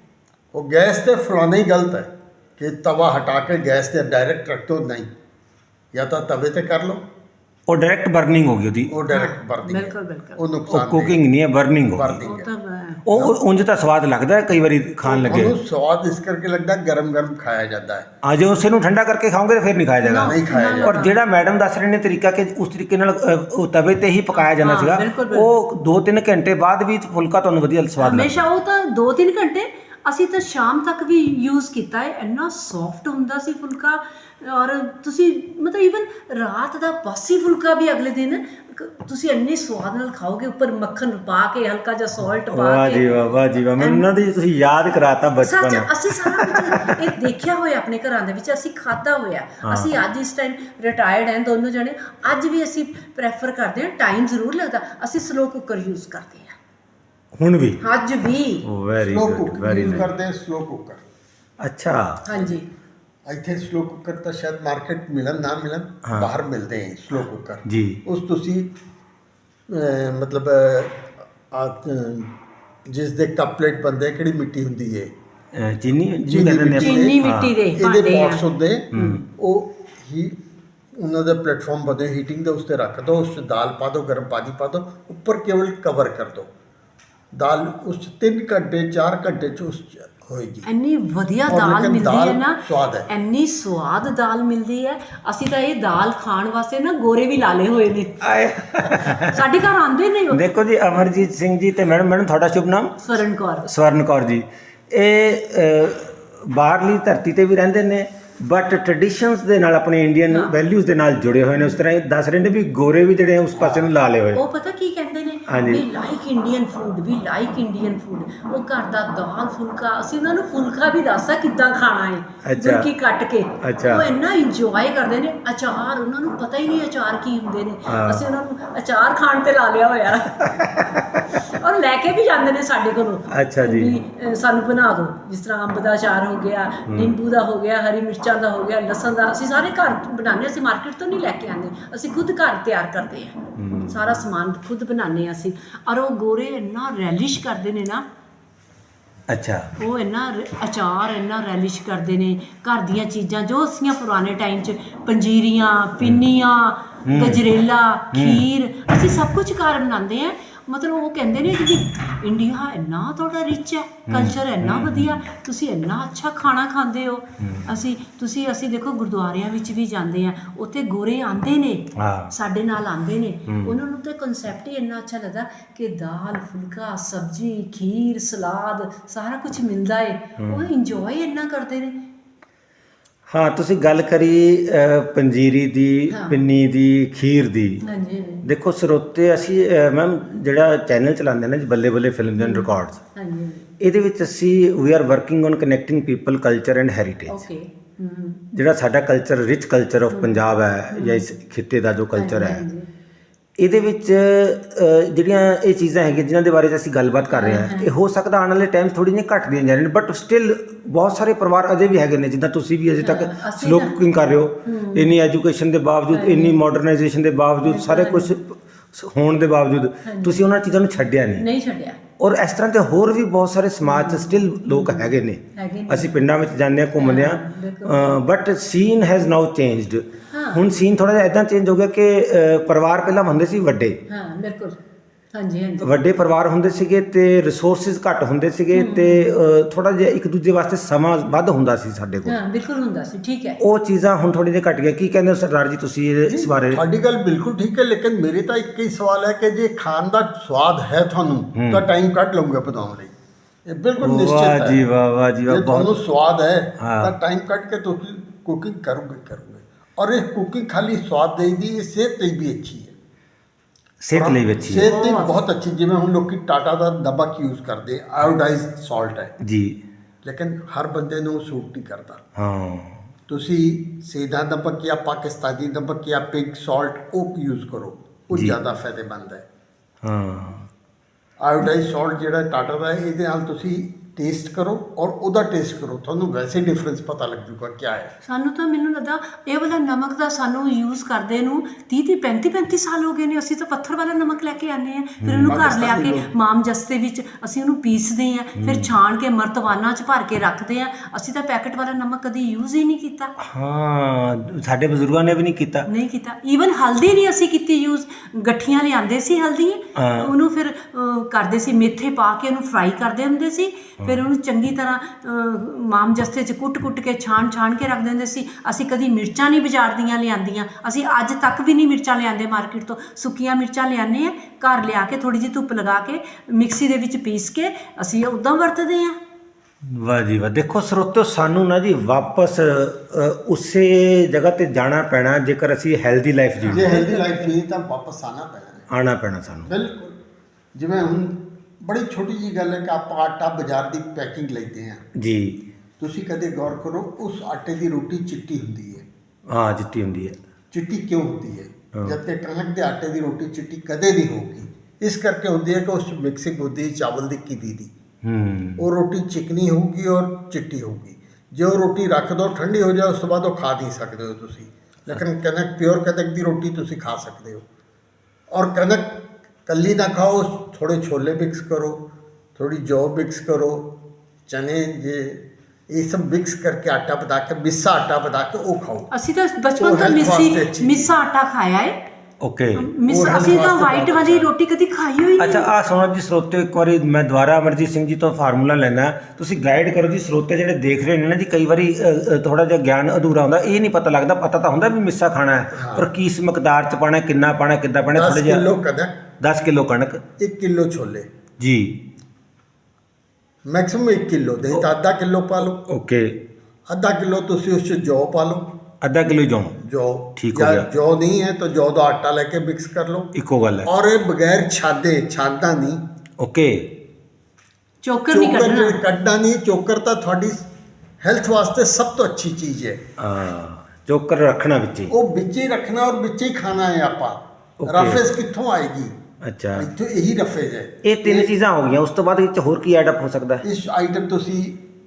Speaker 2: ਉਹ ਗੈਸ ਤੇ ਫੁਲਾਉਣਾ ਹੀ ਗਲਤ ਹੈ, ਕਿ ਤਵਾ ਹਟਾ ਕੇ ਗੈਸ ਤੇ ਡਾਇਰੈਕਟ ਰੱਖ ਦੋ। ਨਹੀਂ, ਜਾਂ ਤਾਂ ਤਵੇ ਤੇ ਕਰ ਲਓ,
Speaker 1: ਉਹ ਡਾਇਰੈਕਟ ਬਰਨਿੰਗ ਹੋ ਗਈ ਉਹਦੀ।
Speaker 2: ਉਹ ਡਾਇਰੈਕਟ ਬਰਨਿੰਗ ਹੈ,
Speaker 3: ਬਿਲਕੁਲ ਬਿਲਕੁਲ।
Speaker 2: ਉਹ
Speaker 1: ਉਹ
Speaker 2: ਨੁਕਸਾਨ
Speaker 1: ਕੁਕਿੰਗ ਨਹੀਂ ਹੈ, ਬਰਨਿੰਗ ਹੋ ਗਈ।
Speaker 2: ਬਰਨਿੰਗ
Speaker 3: ਉਹ
Speaker 2: ਹੈ।
Speaker 3: ਤਾਂ ਮੈਂ-
Speaker 1: ਉਹ ਉਹ ਉਂਝ ਤਾਂ ਸਵਾਦ ਲੱਗਦਾ ਹੈ, ਕਈ ਵਾਰੀ ਖਾਣ ਲੱਗੇ
Speaker 2: ਉਹਨੂੰ ਸਵਾਦ ਇਸ ਕਰਕੇ ਲੱਗਦਾ ਗਰਮ ਗਰਮ ਖਾਇਆ ਜਾਂਦਾ ਹੈ,
Speaker 1: ਆ ਜੇ ਉਸੇ ਨੂੰ ਠੰਡਾ ਕਰਕੇ ਖਾਓਗੇ ਤਾਂ ਫਿਰ ਨਹੀਂ ਖਾਇਆ ਜਾਏਗਾ।
Speaker 2: ਨਹੀਂ ਖਾਇਆ
Speaker 3: ਨਾ,
Speaker 2: ਜਾਂਦਾ।
Speaker 1: ਔਰ ਜਿਹੜਾ ਮੈਡਮ ਦੱਸ ਰਹੇ ਨੇ ਤਰੀਕਾ, ਕਿ ਉਸ ਤਰੀਕੇ ਨਾਲ ਅ, ਉਹ ਤਵੇ ਤੇ ਹੀ ਪਕਾਇਆ ਜਾਣਾ
Speaker 3: ਹਾਂ,
Speaker 1: ਸੀਗਾ,
Speaker 3: ਬਿਲਕੁਲ, ਬਿਲਕੁਲ।
Speaker 1: ਉਹ ਦੋ ਤਿੰਨ ਘੰਟੇ ਬਾਅਦ ਵੀ ਫੁਲਕਾ ਤੁਹਾਨੂੰ ਵਧੀਆ ਸਵਾਦ ਲੱਗਦਾ।
Speaker 3: ਹਮੇਸ਼ਾ ਉਹ ਤਾਂ ਦੋ ਤਿੰਨ ਘੰਟੇ, ਅਸੀਂ ਤਾਂ ਸ਼ਾਮ ਤੱਕ ਵੀ ਯੂਜ਼ ਕੀਤਾ ਹੈ। ਇੰਨਾ ਸੌਫਟ ਹੁੰਦਾ ਸੀ ਫੁਲਕਾ। ਔਰ ਤੁਸੀਂ ਮਤਲਬ ਈਵਨ ਰਾਤ ਦਾ ਬਾਸੀ ਫੁਲਕਾ ਵੀ ਅਗਲੇ ਦਿਨ ਕ- ਤੁਸੀਂ ਇੰਨੇ ਸਵਾਦ ਨਾਲ ਖਾਓਗੇ, ਉੱਪਰ ਮੱਖਣ ਪਾ ਕੇ, ਹਲਕਾ ਜਿਹਾ ਸਾਲਟ ਪਾ
Speaker 1: ਵਾਹ ਜੀ
Speaker 3: ਕੇ।
Speaker 1: ਵਾਹ, ਵਾਹ ਜੀ ਵਾਹ, ਮੈਨੂੰ ਉਹਨਾਂ ਦੀ ਤੁਸੀਂ ਯਾਦ ਕਰਾਤਾ ਬਚਪਨ।
Speaker 3: ਸੱਚ, ਅਸੀਂ ਸਾਰਾ ਕੁਝ ਇਹ ਦੇਖਿਆ ਹੋਇਆ ਆਪਣੇ ਘਰਾਂ ਦੇ ਵਿੱਚ, ਅਸੀਂ ਖਾਧਾ ਹੋਇਆ। ਅਸੀਂ ਅੱਜ ਇਸ ਟਾਈਮ ਰਿਟਾਇਰਡ ਹਾਂ ਦੋਨੋਂ ਜਣੇ, ਅੱਜ ਵੀ ਅਸੀਂ ਪ੍ਰੈਫਰ ਕਰਦੇ ਹਾਂ, ਟਾਈਮ ਜ਼ਰੂਰ ਲੱਗਦਾ, ਅਸੀਂ ਸਲੋ ਕੁੱਕਰ ਯੂਜ਼ ਕਰਦੇ ਹਾਂ
Speaker 1: ਹੁਣ ਵੀ?
Speaker 3: ਅੱਜ ਵੀ।
Speaker 1: Very
Speaker 2: slow
Speaker 1: good,
Speaker 2: cook
Speaker 1: very
Speaker 2: use
Speaker 1: nice.
Speaker 2: ਕਰਦੇ ਸਲੋ ਕੁੱਕਰ।
Speaker 1: ਅੱਛਾ।
Speaker 3: ਹਾਂਜੀ।
Speaker 2: ਇੱਥੇ ਸਲੋ ਕੁੱਕਰ ਤਾਂ ਸ਼ਾਇਦ ਮਾਰਕੀਟ ਮਿਲਣ ਨਾ ਮਿਲਣ,
Speaker 1: ਹਾਂ।
Speaker 2: ਬਾਹਰ ਮਿਲਦੇ ਹੈ ਸਲੋ ਕੁੱਕਰ
Speaker 1: ਜੀ।
Speaker 2: ਉਸ ਤੁਸੀਂ ਅਹ, ਮਤਲਬ ਆ ਜਿਸ ਦੇ ਕੱਪ ਪਲੇਟ ਬਣਦੇ, ਕਿਹੜੀ ਮਿੱਟੀ ਹੁੰਦੀ ਹੈ,
Speaker 1: ਅ, ਚੀਨੀ ਜਿਹਨੂੰ
Speaker 2: ਚੀਨੀ
Speaker 1: ਕਹਿੰਦੇ ਨੇ ਆਪਾਂ।
Speaker 3: ਚੀਨੀ
Speaker 1: ਹਾਂ।
Speaker 3: ਮਿੱਟੀ ਦੇ
Speaker 2: ਇਹਦੇ
Speaker 3: ਭਾਂਡੇ ਆ।
Speaker 2: ਪੌਟਸ ਹੁੰਦੇ, ਉਹ ਹੀ ਉਹਨਾਂ ਦਾ ਪਲੇਟਫਾਰਮ ਬਣੇ ਹੀਟਿੰਗ ਦੇ, ਉਸ 'ਤੇ ਰੱਖ ਦਿਓ, ਉਸ 'ਚ ਦਾਲ ਪਾ ਦਿਓ, ਗਰਮ ਪਾਣੀ ਪਾ ਦਿਓ, ਉੱਪਰ ਕੇਵਲ ਕਵਰ ਕਰ ਦਿਓ। ਦਾਲ ਉਸ 'ਚ ਤਿੰਨ ਘੰਟੇ ਚਾਰ ਘੰਟੇ 'ਚ ਉਸ 'ਚ ਹੋਏਗੀ।
Speaker 3: ਇੰਨੀ ਵਧੀਆ
Speaker 2: ਔਰ
Speaker 3: ਦਾਲ
Speaker 2: ਲੇਕਿਨ
Speaker 3: ਮਿਲਦੀ
Speaker 2: ਦਾਲ
Speaker 3: ਹੈ ਨਾ,
Speaker 2: ਸਵਾਦ ਹੈ।
Speaker 3: ਇੰਨੀ ਸਵਾਦ ਦਾਲ ਮਿਲਦੀ ਹੈ। ਅਸੀਂ ਤਾਂ ਇਹ ਦਾਲ ਖਾਣ ਵਾਸਤੇ ਨਾ ਗੋਰੇ ਵੀ ਲਾਲੇ ਹੋਏ ਨੇ,
Speaker 1: ਆਏ
Speaker 3: ਸਾਡੇ ਘਰ ਆਉਂਦੇ ਨੇ ਉਹ।
Speaker 1: ਦੇਖੋ ਜੀ, ਅਮਰਜੀਤ ਸਿੰਘ ਜੀ ਤੇ ਮੈਡਮ ਮੈਡਮ ਤੁਹਾਡਾ ਸ਼ੁਭ ਨਾਮ?
Speaker 3: ਸਵਰਨ ਕੌਰ।
Speaker 1: ਸਵਰਨ ਕੌਰ ਜੀ, ਇਹ ਅ, ਬਾਹਰਲੀ ਧਰਤੀ ਤੇ ਵੀ ਰਹਿੰਦੇ ਨੇ ਬਟ ਟ੍ਰੈਡੀਸ਼ਨਸ ਦੇ ਨਾਲ, ਆਪਣੇ ਇੰਡੀਅਨ ਵੈਲਿਊਜ਼ ਦੇ ਨਾਲ ਜੁੜੇ ਹੋਏ ਨੇ। ਉਸ ਤਰ੍ਹਾਂ ਇਹ ਦੱਸ ਰਹੇ ਨੇ ਵੀ ਗੋਰੇ ਵੀ ਜਿਹੜੇ ਆ ਉਸ ਪਾਸੇ ਨੂੰ ਲਾ ਲਏ ਹੋਏ।
Speaker 3: ਉਹ ਪਤਾ ਕੀ ਕਹਿੰਦੇ ਨੇ,
Speaker 1: ਹਾਂਜੀ।
Speaker 3: We like Indian food, we like Indian food. ਉਹ ਘਰ ਦਾ ਦਾਲ ਫੁਲਕਾ, ਅਸੀਂ ਉਹਨਾਂ ਨੂੰ ਫੁਲਕਾ ਵੀ ਦੱਸਦਾ ਕਿੱਦਾਂ ਖਾਣਾ ਹੈ,
Speaker 1: ਅੱਛਾ।
Speaker 3: ਬੁਰਕੀ ਕੱਟ ਕੇ।
Speaker 1: ਅੱਛਾ।
Speaker 3: ਉਹ ਇੰਨਾ ਇੰਜੋਏ ਕਰਦੇ ਨੇ। ਅਚਾਰ, ਉਹਨਾਂ ਨੂੰ ਪਤਾ ਹੀ ਨਹੀਂ ਅਚਾਰ ਕੀ ਹੁੰਦੇ ਨੇ।
Speaker 1: ਹਾਂ।
Speaker 3: ਅਸੀਂ ਉਹਨਾਂ ਨੂੰ ਅਚਾਰ ਖਾਣ ਤੇ ਲਾ ਲਿਆ ਹੋਇਆ ਔਰ ਲੈ ਕੇ ਵੀ ਜਾਂਦੇ ਨੇ ਸਾਡੇ ਕੋਲੋਂ।
Speaker 1: ਅੱਛਾ ਜੀ।
Speaker 3: ਵੀ ਅ, ਸਾਨੂੰ ਬਣਾ ਦਿਓ, ਜਿਸ ਤਰ੍ਹਾਂ ਅੰਬ ਦਾ ਅਚਾਰ ਹੋ ਗਿਆ, ਨਿੰਬੂ ਦਾ ਹੋ ਗਿਆ, ਹਰੀ ਮਿਰਚਾਂ ਦਾ ਹੋ ਗਿਆ, ਲਸਣ ਦਾ। ਅਸੀਂ ਸਾਰੇ ਘਰ ਬਣਾਉਂਦੇ, ਅਸੀਂ ਮਾਰਕੀਟ ਤੋਂ ਨਹੀਂ ਲੈ ਕੇ ਆਉਂਦੇ, ਅਸੀਂ ਖੁਦ ਘਰ ਤਿਆਰ ਕਰਦੇ ਹਾਂ। ਸਾਰਾ ਸਮਾਨ ਖੁਦ ਬਣਾਉਂਦੇ ਹਾਂ ਅਸੀਂ। ਔਰ ਉਹ ਗੋਰੇ ਇੰਨਾ ਰੈਲਿਸ਼ ਕਰਦੇ ਨੇ ਨਾ,
Speaker 1: ਅੱਛਾ।
Speaker 3: ਉਹ ਇੰਨਾ ਰ- ਅਚਾਰ ਇੰਨਾ ਰੈਲਿਸ਼ ਕਰਦੇ ਨੇ। ਘਰ ਦੀਆਂ ਚੀਜ਼ਾਂ ਜੋ ਅਸੀਂ ਪੁਰਾਣੇ ਟਾਈਮ 'ਚ ਪੰਜੀਰੀਆਂ, ਪਿੰਨੀਆਂ, ਗਜਰੇਲਾ, ਖੀਰ, ਅਸੀਂ ਸਭ ਕੁਝ ਘਰ ਬਣਾਉਂਦੇ ਹਾਂ। ਮਤਲਬ ਉਹ ਕਹਿੰਦੇ ਨੇ ਕਿ ਵੀ ਇੰਡੀਆ ਇੰਨਾ ਤੁਹਾਡਾ ਰਿਚ ਹੈ, ਕਲਚਰ ਇੰਨਾ ਵਧੀਆ, ਤੁਸੀਂ ਇੰਨਾ ਅੱਛਾ ਖਾਣਾ ਖਾਂਦੇ ਹੋ। ਅਸੀਂ ਤੁਸੀਂ ਅਸੀਂ ਦੇਖੋ ਗੁਰਦੁਆਰਿਆਂ ਵਿੱਚ ਵੀ ਜਾਂਦੇ ਆ, ਉੱਥੇ ਗੋਰੇ ਆਉਂਦੇ ਨੇ,
Speaker 1: ਹਾਂ।
Speaker 3: ਸਾਡੇ ਨਾਲ ਆਉਂਦੇ ਨੇ। ਉਹਨਾਂ ਨੂੰ ਤਾਂ ਕਨਸੈਪਟ ਹੀ ਇੰਨਾ ਅੱਛਾ ਲੱਗਦਾ ਕਿ ਦਾਲ ਫੁਲਕਾ, ਸਬਜ਼ੀ, ਖੀਰ, ਸਲਾਦ, ਸਾਰਾ ਕੁਝ ਮਿਲਦਾ ਹੈ। ਉਹ ਇੰਜੋਏ ਇੰਨਾ ਕਰਦੇ ਨੇ।
Speaker 1: ਹਾਂ, ਤੁਸੀਂ ਗੱਲ ਕਰੀ ਅ, ਪੰਜੀਰੀ ਦੀ,
Speaker 3: ਹਾਂ।
Speaker 1: ਪਿੰਨੀ ਦੀ, ਖੀਰ ਦੀ।
Speaker 3: ਹਾਂਜੀ
Speaker 1: ਦੇਖੋ ਸਰੋਤੇ, ਅਸੀਂ ਮੈਮ ਜਿਹੜਾ ਚੈਨਲ ਚਲਾਉਂਦੇ ਨੇ ਜੀ, ਬੱਲੇ ਬੱਲੇ ਫਿਲਮਸ ਐਂਡ ਰਿਕਾਰਡਸ,
Speaker 3: ਹਾਂਜੀ।
Speaker 1: ਇਹਦੇ ਵਿੱਚ ਅਸੀਂ we are working on connecting people, culture and heritage.
Speaker 3: Okay. ਹੂੰ।
Speaker 1: ਜਿਹੜਾ ਸਾਡਾ culture, rich culture of Punjab ਹੈ ਜਾਂ ਇਸ ਖਿੱਤੇ ਦਾ ਜੋ ਕਲਚਰ ਹੈ,
Speaker 3: ਹਾਂਜੀ।
Speaker 1: ਇਹਦੇ ਵਿੱਚ ਅ, ਜਿਹੜੀਆਂ ਇਹ ਚੀਜ਼ਾਂ ਹੈਗੀਆਂ ਜਿਨ੍ਹਾਂ ਦੇ ਬਾਰੇ 'ਚ ਅਸੀਂ ਗੱਲਬਾਤ ਕਰ ਰਹੇ ਹਾਂ, ਇਹ ਹੋ ਸਕਦਾ ਆਉਣ ਵਾਲੇ ਟਾਈਮ ਥੋੜ੍ਹੀ ਜਿਹੀਆਂ ਘਟਦੀਆਂ ਜਾ ਰਹੀਆਂ ਨੇ, ਬਟ ਸਟਿਲ ਬਹੁਤ ਸਾਰੇ ਪਰਿਵਾਰ ਅਜੇ ਵੀ ਹੈਗੇ ਨੇ, ਜਿੱਦਾਂ ਤੁਸੀਂ ਵੀ ਅਜੇ ਤੱਕ
Speaker 3: ਅਸੀਂ
Speaker 1: ਸਲੋ
Speaker 3: ਤਾਂ-
Speaker 1: ਕੁਕਿੰਗ ਕਰ ਰਹੇ ਹੋ। ਇੰਨੀ ਐਜੂਕੇਸ਼ਨ ਦੇ ਬਾਵਜੂਦ, ਇੰਨੀ ਮਾਡਰਨਾਈਜੇਸ਼ਨ ਦੇ ਬਾਵਜੂਦ, ਸਾਰੇ ਕੁਝ ਹੋਣ ਦੇ ਬਾਵਜੂਦ ਤੁਸੀਂ ਉਹਨਾਂ ਚੀਜ਼ਾਂ ਨੂੰ ਛੱਡਿਆ ਨਹੀਂ।
Speaker 3: ਨਹੀਂ ਛੱਡਿਆ।
Speaker 1: ਔਰ ਇਸ ਤਰ੍ਹਾਂ ਦੇ ਹੋਰ ਵੀ ਬਹੁਤ ਸਾਰੇ ਸਮਾਜ 'ਚ ਸਟਿਲ ਲੋਕ ਹੈਗੇ ਨੇ।
Speaker 3: ਹੈਗੇ ਨੇ।
Speaker 1: ਅਸੀਂ ਪਿੰਡਾਂ ਵਿੱਚ ਜਾਂਦੇ ਹਾਂ, ਘੁੰਮਦੇ ਹਾਂ, but scene has now changed. ਹੁਣ ਸੀਨ ਥੋੜ੍ਹਾ ਜਿਹਾ ਇੱਦਾਂ ਚੇਂਜ ਹੋ ਗਿਆ ਕਿ ਅ, ਪਰਿਵਾਰ ਪਹਿਲਾਂ ਹੁੰਦੇ ਸੀ ਵੱਡੇ,
Speaker 3: ਹਾਂ ਬਿਲਕੁਲ। ਹਾਂਜੀ ਹਾਂਜੀ।
Speaker 1: ਵੱਡੇ ਪਰਿਵਾਰ ਹੁੰਦੇ ਸੀਗੇ ਤੇ ਰਿਸੋਰਸਿਸ ਘੱਟ ਹੁੰਦੇ ਸੀਗੇ ਤੇ ਥੋੜਾ ਜਿਹਾ ਇੱਕ ਦੂਜੇ ਵਾਸਤੇ ਸਮਾਂ ਵੱਧ ਹੁੰਦਾ ਸੀ ਸਾਡੇ ਕੋਲ।
Speaker 3: ਹਾਂ ਬਿਲਕੁਲ ਹੁੰਦਾ ਸੀ। ਠੀਕ ਹੈ।
Speaker 1: ਉਹ ਚੀਜ਼ਾਂ ਹੁਣ ਥੋੜੀ ਜਿਹੀ ਘਟ ਗਿਆ। ਕੀ ਕਹਿੰਦੇ ਹੋ ਸਰਦਾਰ ਜੀ ਤੁਸੀਂ ਇਹ- ਇਸ ਬਾਰੇ?
Speaker 2: ਤੁਹਾਡੀ ਗੱਲ ਬਿਲਕੁਲ ਠੀਕ ਹੈ, ਲੇਕਿਨ ਮੇਰੇ ਤਾਂ ਇੱਕ ਹੀ ਸਵਾਲ ਹੈ ਕਿ ਜੇ ਖਾਣ ਦਾ ਸਵਾਦ ਹੈ ਤੁਹਾਨੂੰ ਤਾਂ ਟਾਈਮ ਕੱਢ ਲਊਂਗਾ ਬਣਾਉਣ ਲਈ। ਇਹ ਬਿਲਕੁਲ ਨਿਸ਼ਚਿਤ ਹੈ।
Speaker 1: ਵਾਹ ਜੀ ਵਾਹ, ਵਾਹ ਜੀ ਵਾਹ,
Speaker 2: ਜੇ ਤੁਹਾਨੂੰ
Speaker 1: ਬਹੁਤ
Speaker 2: ਸਵਾਦ ਹੈ
Speaker 1: ਹਾਂ।
Speaker 2: ਤਾਂ ਟਾਈਮ ਕੱਢ ਕੇ ਤੁਸੀਂ ਕੁਕਿੰਗ ਕਰੋਗੇ ਕਰੋਗੇ ਔਰ ਇਹ ਕੁਕਿੰਗ ਖਾਲੀ ਸਵਾਦ ਨਹੀਂ ਦੀ, ਇਹ ਸਿਹਤ ਲਈ ਵੀ ਅੱਛੀ ਹੈ।
Speaker 1: ਸਿਹਤ ਲਈ ਵੀ ਅੱਛੀ ਹੈ
Speaker 2: ਸਿਹਤ ਲਈ ਬਹੁਤ ਅੱਛੀ। ਜਿਵੇਂ ਹੁਣ ਲੋਕੀ ਟਾਟਾ ਦਾ ਨਮਕ ਯੂਜ਼ ਕਰਦੇ, ਆਇਓਡਾਈਜ਼ਡ ਸਾਲਟ ਹੈ,
Speaker 1: ਜੀ।
Speaker 2: ਲੇਕਿਨ ਹਰ ਬੰਦੇ ਨੂੰ ਸੂਟ ਨਹੀਂ ਕਰਦਾ।
Speaker 1: ਹਾਂ।
Speaker 2: ਤੁਸੀਂ ਸਿੱਧਾ ਨਮਕ ਜਾਂ ਪਾਕਿਸਤਾਨੀ ਨਮਕ ਜਾਂ ਪਿੰਕ ਸਾਲਟ ਉਹ ਯੂਜ਼ ਕਰੋ, ਉਹ
Speaker 1: ਜੀ।
Speaker 2: ਜ਼ਿਆਦਾ ਫਾਇਦੇਮੰਦ ਹੈ।
Speaker 1: ਹਾਂ।
Speaker 2: ਆਇਓਡਾਈਜ਼ਡ ਸਾਲਟ ਜਿਹੜਾ ਟਾਟਾ ਦਾ ਹੈ, ਇਹਦੇ ਨਾਲ ਤੁਸੀਂ ਟੇਸਟ ਕਰੋ ਔਰ ਉਹਦਾ ਟੇਸਟ ਕਰੋ, ਤੁਹਾਨੂੰ ਵੈਸੇ ਡਿਫਰੈਂਸ ਪਤਾ ਲੱਗ ਜੂਗਾ ਕੀ ਹੈ।
Speaker 3: ਸਾਨੂੰ ਤਾਂ ਮੈਨੂੰ ਲੱਗਦਾ ਇਹ ਵਾਲਾ ਨਮਕ ਦਾ ਸਾਨੂੰ ਯੂਜ਼ ਕਰਦੇ ਨੂੰ ਤੀਹ ਤੀਹ ਪੈਂਤੀ ਪੈਂਤੀ ਸਾਲ ਹੋ ਗਏ ਨੇ। ਅਸੀਂ ਤਾਂ ਪੱਥਰ ਵਾਲਾ ਨਮਕ ਲੈ ਕੇ ਆਉਂਦੇ ਹਾਂ, ਫਿਰ ਉਹਨੂੰ ਘਰ ਲਿਆ ਕੇ ਮਾਮ ਜਸਤੇ ਵਿੱਚ ਅਸੀਂ ਉਹਨੂੰ ਪੀਸਦੇ ਹਾਂ, ਫਿਰ ਛਾਣ ਕੇ ਮਰਤਬਾਨਾਂ 'ਚ ਭਰ ਕੇ ਰੱਖਦੇ ਹਾਂ। ਅਸੀਂ ਤਾਂ ਪੈਕਟ ਵਾਲਾ ਨਮਕ ਕਦੀ ਯੂਜ਼ ਹੀ ਨਹੀਂ ਕੀਤਾ।
Speaker 1: ਹਾਂ, ਸਾਡੇ ਬਜ਼ੁਰਗਾਂ ਨੇ ਵੀ ਨਹੀਂ ਕੀਤਾ।
Speaker 3: ਨਹੀਂ ਕੀਤਾ। ਈਵਨ ਹਲਦੀ ਨਹੀਂ ਅਸੀਂ ਕੀਤੀ ਯੂਜ਼। ਗੱਠੀਆਂ ਲਿਆਂਦੇ ਸੀ ਹਲਦੀ, ਉਹਨੂੰ ਫਿਰ ਅਹ, ਕਰਦੇ ਸੀ ਮੇਥੇ ਪਾ ਕੇ ਉਹਨੂੰ ਫਰਾਈ ਕਰਦੇ ਹੁੰਦੇ ਸੀ, ਫਿਰ ਉਹਨੂੰ ਚੰਗੀ ਤਰ੍ਹਾਂ ਅਹ, ਮਾਮ ਜਸਤੇ 'ਚ ਕੁੱਟ ਕੁੱਟ ਕੇ ਛਾਣ ਛਾਣ ਕੇ ਰੱਖ ਦਿੰਦੇ ਸੀ। ਅਸੀਂ ਕਦੀ ਮਿਰਚਾਂ ਨਹੀਂ ਬਾਜ਼ਾਰ ਦੀਆਂ ਲਿਆਂਦੀਆਂ, ਅਸੀਂ ਅੱਜ ਤੱਕ ਵੀ ਨਹੀਂ ਮਿਰਚਾਂ ਲਿਆਂਦੇ ਮਾਰਕੀਟ ਤੋਂ। ਸੁੱਕੀਆਂ ਮਿਰਚਾਂ ਲਿਆਉਂਦੇ ਹਾਂ, ਘਰ ਲਿਆ ਕੇ ਥੋੜ੍ਹੀ ਜਿਹੀ ਧੁੱਪ ਲਗਾ ਕੇ ਮਿਕਸੀ ਦੇ ਵਿੱਚ ਪੀਸ ਕੇ ਅਸੀਂ ਉੱਦਾਂ ਵਰਤਦੇ ਹਾਂ।
Speaker 1: ਵਾਹ ਜੀ ਵਾਹ। ਦੇਖੋ ਸਰੋਤਿਓ, ਸਾਨੂੰ ਨਾ ਜੀ ਵਾਪਸ ਅ, ਉਸੇ ਜਗ੍ਹਾ ਤੇ ਜਾਣਾ ਪੈਣਾ ਜੇਕਰ ਅਸੀਂ ਹੈਲਦੀ ਲਾਈਫ ਜੀਣੀ,
Speaker 2: ਜੇ ਹੈਲਦੀ ਲਾਈਫ ਜੀਣੀ ਤਾਂ ਵਾਪਸ ਆਣਾ ਪੈਣਾ।
Speaker 1: ਆਉਣਾ ਪੈਣਾ ਸਾਨੂੰ।
Speaker 2: ਬਿਲਕੁਲ। ਜਿਵੇਂ ਹੁਣ ਬੜੀ ਛੋਟੀ ਜੀ ਗੱਲ ਹੈ ਕਿ ਆਪਾਂ ਆਟਾ ਬਾਜ਼ਾਰ ਦੀ ਪੈਕਿੰਗ ਲੈਂਦੇ ਹਾਂ।
Speaker 1: ਜੀ।
Speaker 2: ਤੁਸੀਂ ਕਦੇ ਗੌਰ ਕਰੋ, ਉਸ ਆਟੇ ਦੀ ਰੋਟੀ ਚਿੱਟੀ ਹੁੰਦੀ ਹੈ।
Speaker 1: ਹਾਂ, ਚਿੱਟੀ ਹੁੰਦੀ ਹੈ।
Speaker 2: ਚਿੱਟੀ ਕਿਉਂ ਹੁੰਦੀ ਹੈ? ਜਦ ਕਿ ਕਣਕ ਦੇ ਆਟੇ ਦੀ ਰੋਟੀ ਚਿੱਟੀ ਕਦੇ ਨਹੀਂ ਹੋਊਗੀ। ਇਸ ਕਰਕੇ ਹੁੰਦੀ ਹੈ ਕਿ ਉਸ 'ਚ ਮਿਕਸਿੰਗ ਹੁੰਦੀ ਹੈ ਚਾਵਲ ਦੀ ਕੀਦੀ ਦੀ।
Speaker 1: ਹੂੰ।
Speaker 2: ਉਹ ਰੋਟੀ ਚਿਕਨੀ ਹੋਊਗੀ ਔਰ ਚਿੱਟੀ ਹੋਊਗੀ। ਜੇ ਉਹ ਰੋਟੀ ਰੱਖ ਦਿਓ ਠੰਡੀ ਹੋ ਜਾਏ, ਉਸ ਤੋਂ ਬਾਅਦ ਉਹ ਖਾ ਨਹੀਂ ਸਕਦੇ ਹੋ ਤੁਸੀਂ। ਲੇਕਿਨ ਕਣਕ, ਪਿਓਰ ਕਣਕ ਦੀ ਰੋਟੀ ਤੁਸੀਂ ਖਾ ਸਕਦੇ ਹੋ। ਔਰ ਕਣਕ ਕੱਲੀ ਨਾ ਖਾਓ, ਥੋੜੇ ਛੋਲੇ ਮਿਕਸ ਕਰੋ, ਥੋੜੀ ਜੌ ਮਿਕਸ ਕਰੋ, ਚਨੇ ਜੇ ਇਹ ਸਭ ਮਿਕਸ ਕਰਕੇ ਆਟਾ ਬਣਾ ਕੇ, ਮਿੱਸਾ ਆਟਾ ਬਣਾ ਕੇ ਉਹ ਖਾਓ।
Speaker 3: ਅਸੀਂ ਤਾਂ ਬਚਪਨ
Speaker 2: ਉਹ
Speaker 3: ਤੋਂ
Speaker 2: health ਵਾਸਤੇ
Speaker 3: ਮਿੱਸੀ
Speaker 2: ਅੱਛੀ
Speaker 3: ਮਿੱਸਾ ਆਟਾ ਖਾਇਆ ਹੈ।
Speaker 1: ਓਕੇ
Speaker 3: ਮਿਸ
Speaker 2: ਹੋਰ
Speaker 3: ਅਸੀਂ ਤਾਂ
Speaker 2: ਵਾਸਤੇ
Speaker 3: ਵਾਈਟ
Speaker 2: ਬਹੁਤ
Speaker 3: ਵਾਲੀ
Speaker 2: ਅੱਛਾ।
Speaker 3: ਰੋਟੀ ਕਦੀ ਖਾਈ ਹੋਈ
Speaker 1: ਅੱਛਾ
Speaker 3: ਨਹੀਂ।
Speaker 1: ਆ ਸੁਣੋ ਜੀ ਸਰੋਤੇ, ਇੱਕ ਵਾਰੀ ਮੈਂ ਦੁਬਾਰਾ ਅਮਰਜੀਤ ਸਿੰਘ ਜੀ ਤੋਂ ਫਾਰਮੂਲਾ ਲੈਣਾ, ਤੁਸੀਂ ਗਾਈਡ ਕਰੋ ਜੀ ਸਰੋਤੇ ਜਿਹੜੇ ਦੇਖ ਰਹੇ ਨੇ ਨਾ ਜੀ। ਕਈ ਵਾਰੀ ਥੋੜਾ ਜਿਹਾ ਗਿਆਨ ਅਧੂਰਾ ਹੁੰਦਾ, ਇਹ ਨਹੀਂ ਪਤਾ ਲੱਗਦਾ। ਪਤਾ ਤਾਂ ਹੁੰਦਾ ਵੀ ਮਿੱਸਾ ਖਾਣਾ ਹੈ, ਪਰ ਕਿਸ ਮਿਕਦਾਰ ਚ ਪਾਣਾ, ਕਿੰਨਾ ਪਾਣਾ, ਕਿੱਦਾਂ ਪਾਣਾ,
Speaker 2: ਦਸ
Speaker 1: ਥੋੜਾ ਜਿਹਾ।
Speaker 2: ਕਿਲੋ ਕਣਕ,
Speaker 1: ਦਸ ਕਿਲੋ ਕਣਕ
Speaker 2: ਇੱਕ ਕਿਲੋ ਛੋਲੇ,
Speaker 1: ਜੀ,
Speaker 2: ਮੈਕਸਿਮਮ ਇੱਕ ਕਿਲੋ ਦੇ ਤਾਂ ਅੱਧਾ ਕਿਲੋ ਪਾ ਲਓ।
Speaker 1: ਓਕੇ।
Speaker 2: ਅੱਧਾ ਕਿਲੋ ਤੁਸੀਂ ਉਸ 'ਚ ਜੌ ਪਾ ਲਓ।
Speaker 1: ਅੱਧਾ ਕਿਲੋ ਜੌਂ,
Speaker 2: जौ
Speaker 1: ठीक हो
Speaker 2: या
Speaker 1: गया।
Speaker 2: जौ नहीं है तो जौ का आटा लेके मिक्स कर लो।
Speaker 1: ਇੱਕੋ ਗੱਲ ਹੈ।
Speaker 2: और ये बगैर छादे, छादा नहीं,
Speaker 1: ਓਕੇ।
Speaker 3: ਚੋਕਰ नहीं
Speaker 2: चोकर
Speaker 3: कढ़ना।
Speaker 2: जो कड्डा नहीं, चोकर तो थोड़ी हेल्थ वास्ते सब तो अच्छी चीज है।
Speaker 1: ਹਾਂ, ਚੋਕਰ ਰੱਖਣਾ ਵਿੱਚ ਹੀ।
Speaker 2: वो बिच ही रखना और बिच ही खाना है आपा।
Speaker 1: Okay।
Speaker 2: रफेज कितों आएगी?
Speaker 1: ਅੱਛਾ,
Speaker 2: इत्थों यही रफेज है।
Speaker 1: ਇਹ ਤਿੰਨ ਚੀਜ਼ਾਂ ਹੋ ਗਈਆਂ। ਉਸ ਤੋਂ ਬਾਅਦ ਵਿੱਚ ਹੋਰ ਕੀ ਐਡ ਅਪ ਹੋ ਸਕਦਾ ਹੈ?
Speaker 2: इस आइटम तुसी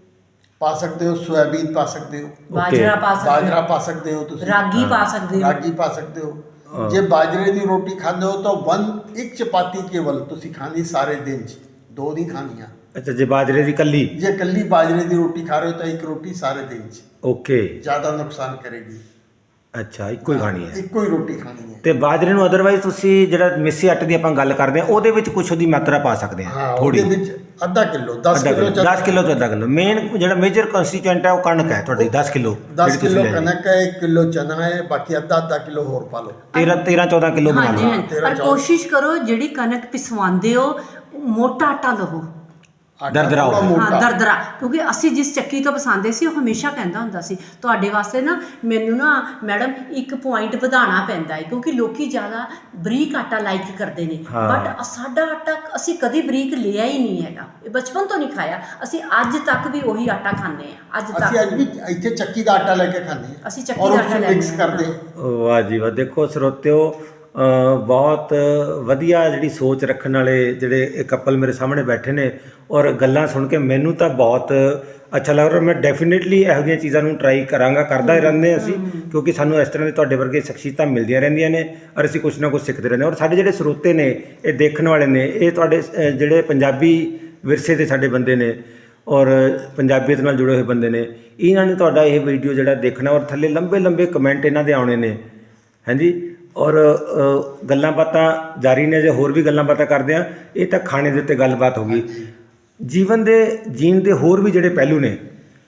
Speaker 2: पा सकते हो, सोयाबीन पा सकते हो,
Speaker 3: बाजरा पा सकते
Speaker 2: बाजरा
Speaker 3: हो,
Speaker 2: पा सकते हो, तुसी
Speaker 3: रागी पा सकते हो।
Speaker 2: रागी पा सकते हो।
Speaker 1: हाँ।
Speaker 2: जे बाजरे की रोटी खाते हो तो वन एक चपाती केवल तुसी खानी सारे दिन च, दो नहीं खानियां।
Speaker 1: ਅੱਛਾ, ਜੇ ਬਾਜਰੇ ਦੀ ਕੱਲੀ।
Speaker 2: जे कल्ली बाजरे की रोटी खा रहे हो तो एक रोटी सारे दिन च,
Speaker 1: ਓਕੇ।
Speaker 2: ज़्यादा नुकसान करेगी।
Speaker 1: ਅੱਛਾ, ਇੱਕੋ ਹੀ ਖਾਣੀ ਹੈ।
Speaker 2: ਇੱਕੋ ਹੀ ਰੋਟੀ ਖਾਣੀ ਹੈ।
Speaker 1: ਤੇ ਬਾਜਰੇ ਨੂੰ ਅਦਰਵਾਈਜ਼ ਤੁਸੀਂ ਜਿਹੜਾ ਮਿੱਸੇ ਆਟੇ ਦੀ ਆਪਾਂ ਗੱਲ ਕਰਦੇ ਹਾਂ, ਉਹਦੇ ਵਿੱਚ ਕੁਝ ਉਹਦੀ ਮਾਤਰਾ ਪਾ ਸਕਦੇ ਹਾਂ,
Speaker 2: ਹਾਂ,
Speaker 1: ਥੋੜੀ।
Speaker 2: ਉਹਦੇ ਵਿੱਚ ਅੱਧਾ ਕਿਲੋ, ਦਸ
Speaker 1: ਅੱਧਾ
Speaker 2: ਕਿਲੋ
Speaker 1: ਕਿਲੋ, ਦਸ ਕਿਲੋ ਤੋਂ ਅੱਧਾ ਕਿਲੋ। ਮੇਨ ਜਿਹੜਾ ਮੇਜਰ ਕੰਸਟੀਟਿਊਐਂਟ ਹੈ ਉਹ ਕਣਕ ਹੈ ਤੁਹਾਡੀ, ਦਸ ਕਿਲੋ।
Speaker 2: ਦਸ ਕਿਲੋ ਕਣਕ ਹੈ, ਇੱਕ ਕਿਲੋ ਚਨਾ ਹੈ, ਬਾਕੀ ਅੱਧਾ ਅੱਧਾ ਕਿਲੋ ਹੋਰ ਪਾ ਲਓ।
Speaker 1: ਤੇਰਾਂ ਤੇਰਾਂ ਚੌਦਾਂ ਕਿਲੋ ਬਣਾ
Speaker 3: ਹਾਂਜੀ
Speaker 1: ਲਓ।
Speaker 3: ਹਾਂਜੀ,
Speaker 2: ਤੇਰਾਂ
Speaker 3: ਪਰ
Speaker 2: ਚੌਦਾਂ।
Speaker 3: ਕੋਸ਼ਿਸ਼ ਕਰੋ ਜਿਹੜੀ ਕਣਕ ਪਿਸਵਾਉਂਦੇ ਹੋ ਮੋਟਾ ਆਟਾ ਲਵੋ।
Speaker 2: ਆਟਾ
Speaker 1: ਦਰਦਰਾ
Speaker 2: ਥੋੜ੍ਹਾ
Speaker 1: ਹੋਵੇ।
Speaker 3: ਹਾਂ,
Speaker 2: ਮੋਟਾ।
Speaker 3: ਦਰਦਰਾ। ਕਿਉਂਕਿ ਅਸੀਂ ਜਿਸ ਚੱਕੀ ਤੋਂ ਪਸਾਂਦੇ ਸੀ ਉਹ ਹਮੇਸ਼ਾ ਕਹਿੰਦਾ ਹੁੰਦਾ ਸੀ ਤੁਹਾਡੇ ਵਾਸਤੇ ਨਾ ਮੈਨੂੰ ਨਾ ਮੈਡਮ ਇੱਕ ਪੁਆਇੰਟ ਵਧਾਉਣਾ ਪੈਂਦਾ ਹੈ, ਕਿਉਂਕਿ ਲੋਕੀ ਜ਼ਿਆਦਾ ਬਰੀਕ ਆਟਾ ਲਾਈਕ ਕਰਦੇ ਨੇ।
Speaker 1: ਹਾਂ।
Speaker 3: ਬਟ ਸਾਡਾ ਆਟਾ ਅਸੀਂ ਕਦੀ ਬਰੀਕ ਲਿਆ ਹੀ ਨਹੀਂ ਹੈਗਾ, ਇਹ ਬਚਪਨ ਤੋਂ ਨਹੀਂ ਖਾਇਆ। ਅਸੀਂ ਅੱਜ ਤੱਕ ਵੀ ਉਹੀ ਆਟਾ ਖਾਂਦੇ ਆ। ਅੱਜ
Speaker 2: ਅਸੀਂ ਅੱਜ
Speaker 3: ਤੱਕ
Speaker 2: ਵੀ ਇੱਥੇ ਚੱਕੀ ਦਾ ਆਟਾ ਲੈ ਕੇ ਖਾਂਦੇ ਹਾਂ।
Speaker 3: ਅਸੀਂ ਚੱਕੀ
Speaker 2: ਔਰ
Speaker 3: ਦਾ
Speaker 2: ਉਸ
Speaker 3: ਆਟਾ
Speaker 2: ਨੂੰ
Speaker 3: ਲੈਂਦੇ
Speaker 2: ਮਿਕਸ
Speaker 3: ਹਾਂ।
Speaker 2: ਕਰਦੇ ਹਾਂ।
Speaker 1: ਵਾਹ ਜੀ ਵਾਹ। ਦੇਖੋ ਸਰੋਤਿਓ, ਅ, ਬਹੁਤ ਵਧੀਆ ਜਿਹੜੀ ਸੋਚ ਰੱਖਣ ਵਾਲੇ ਜਿਹੜੇ ਇਹ ਕਪਲ ਮੇਰੇ ਸਾਹਮਣੇ ਬੈਠੇ ਨੇ, ਔਰ ਗੱਲਾਂ ਸੁਣ ਕੇ ਮੈਨੂੰ ਤਾਂ ਬਹੁਤ ਅੱਛਾ ਲੱਗ ਰਿਹਾ। ਮੈਂ ਡੈਫੀਨੇਟਲੀ ਇਹੋ ਜਿਹੀਆਂ ਚੀਜ਼ਾਂ ਨੂੰ ਟਰਾਈ ਕਰਾਂਗਾ, ਕਰਦਾ ਹੀ ਰਹਿੰਦੇ ਅਸੀਂ, ਕਿਉਂਕਿ ਸਾਨੂੰ ਇਸ ਤਰ੍ਹਾਂ ਦੇ ਤੁਹਾਡੇ ਵਰਗੇ ਸ਼ਖਸੀਅਤਾਂ ਮਿਲਦੀਆਂ ਰਹਿੰਦੀਆਂ ਨੇ, ਔਰ ਅਸੀਂ ਕੁਛ ਨਾ ਕੁਛ ਸਿੱਖਦੇ ਰਹਿੰਦੇ ਹਾਂ। ਔਰ ਸਾਡੇ ਜਿਹੜੇ ਸਰੋਤੇ ਨੇ, ਇਹ ਦੇਖਣ ਵਾਲੇ ਨੇ, ਇਹ ਤੁਹਾਡੇ ਅ, ਜਿਹੜੇ ਪੰਜਾਬੀ ਵਿਰਸੇ ਦੇ ਸਾਡੇ ਬੰਦੇ ਨੇ, ਔਰ ਪੰਜਾਬੀਅਤ ਨਾਲ ਜੁੜੇ ਹੋਏ ਬੰਦੇ ਨੇ, ਇਹਨਾਂ ਨੇ ਤੁਹਾਡਾ ਇਹ ਵੀਡੀਓ ਜਿਹੜਾ ਦੇਖਣਾ, ਔਰ ਥੱਲੇ ਲੰਬੇ ਲੰਬੇ ਕਮੈਂਟ ਇਹਨਾਂ ਦੇ ਆਉਣੇ ਨੇ। ਹਾਂਜੀ, ਔਰ ਅ, ਗੱਲਾਂ ਬਾਤਾਂ ਜਾਰੀ ਨੇ। ਜੇ ਹੋਰ ਵੀ ਗੱਲਾਂ ਬਾਤਾਂ ਕਰਦੇ ਆ, ਇਹ ਤਾਂ ਖਾਣੇ ਦੇ ਉੱਤੇ ਗੱਲਬਾਤ ਹੋ ਗਈ। ਜੀਵਨ ਦੇ ਜੀਣ ਦੇ ਹੋਰ ਵੀ ਜਿਹੜੇ ਪਹਿਲੂ ਨੇ,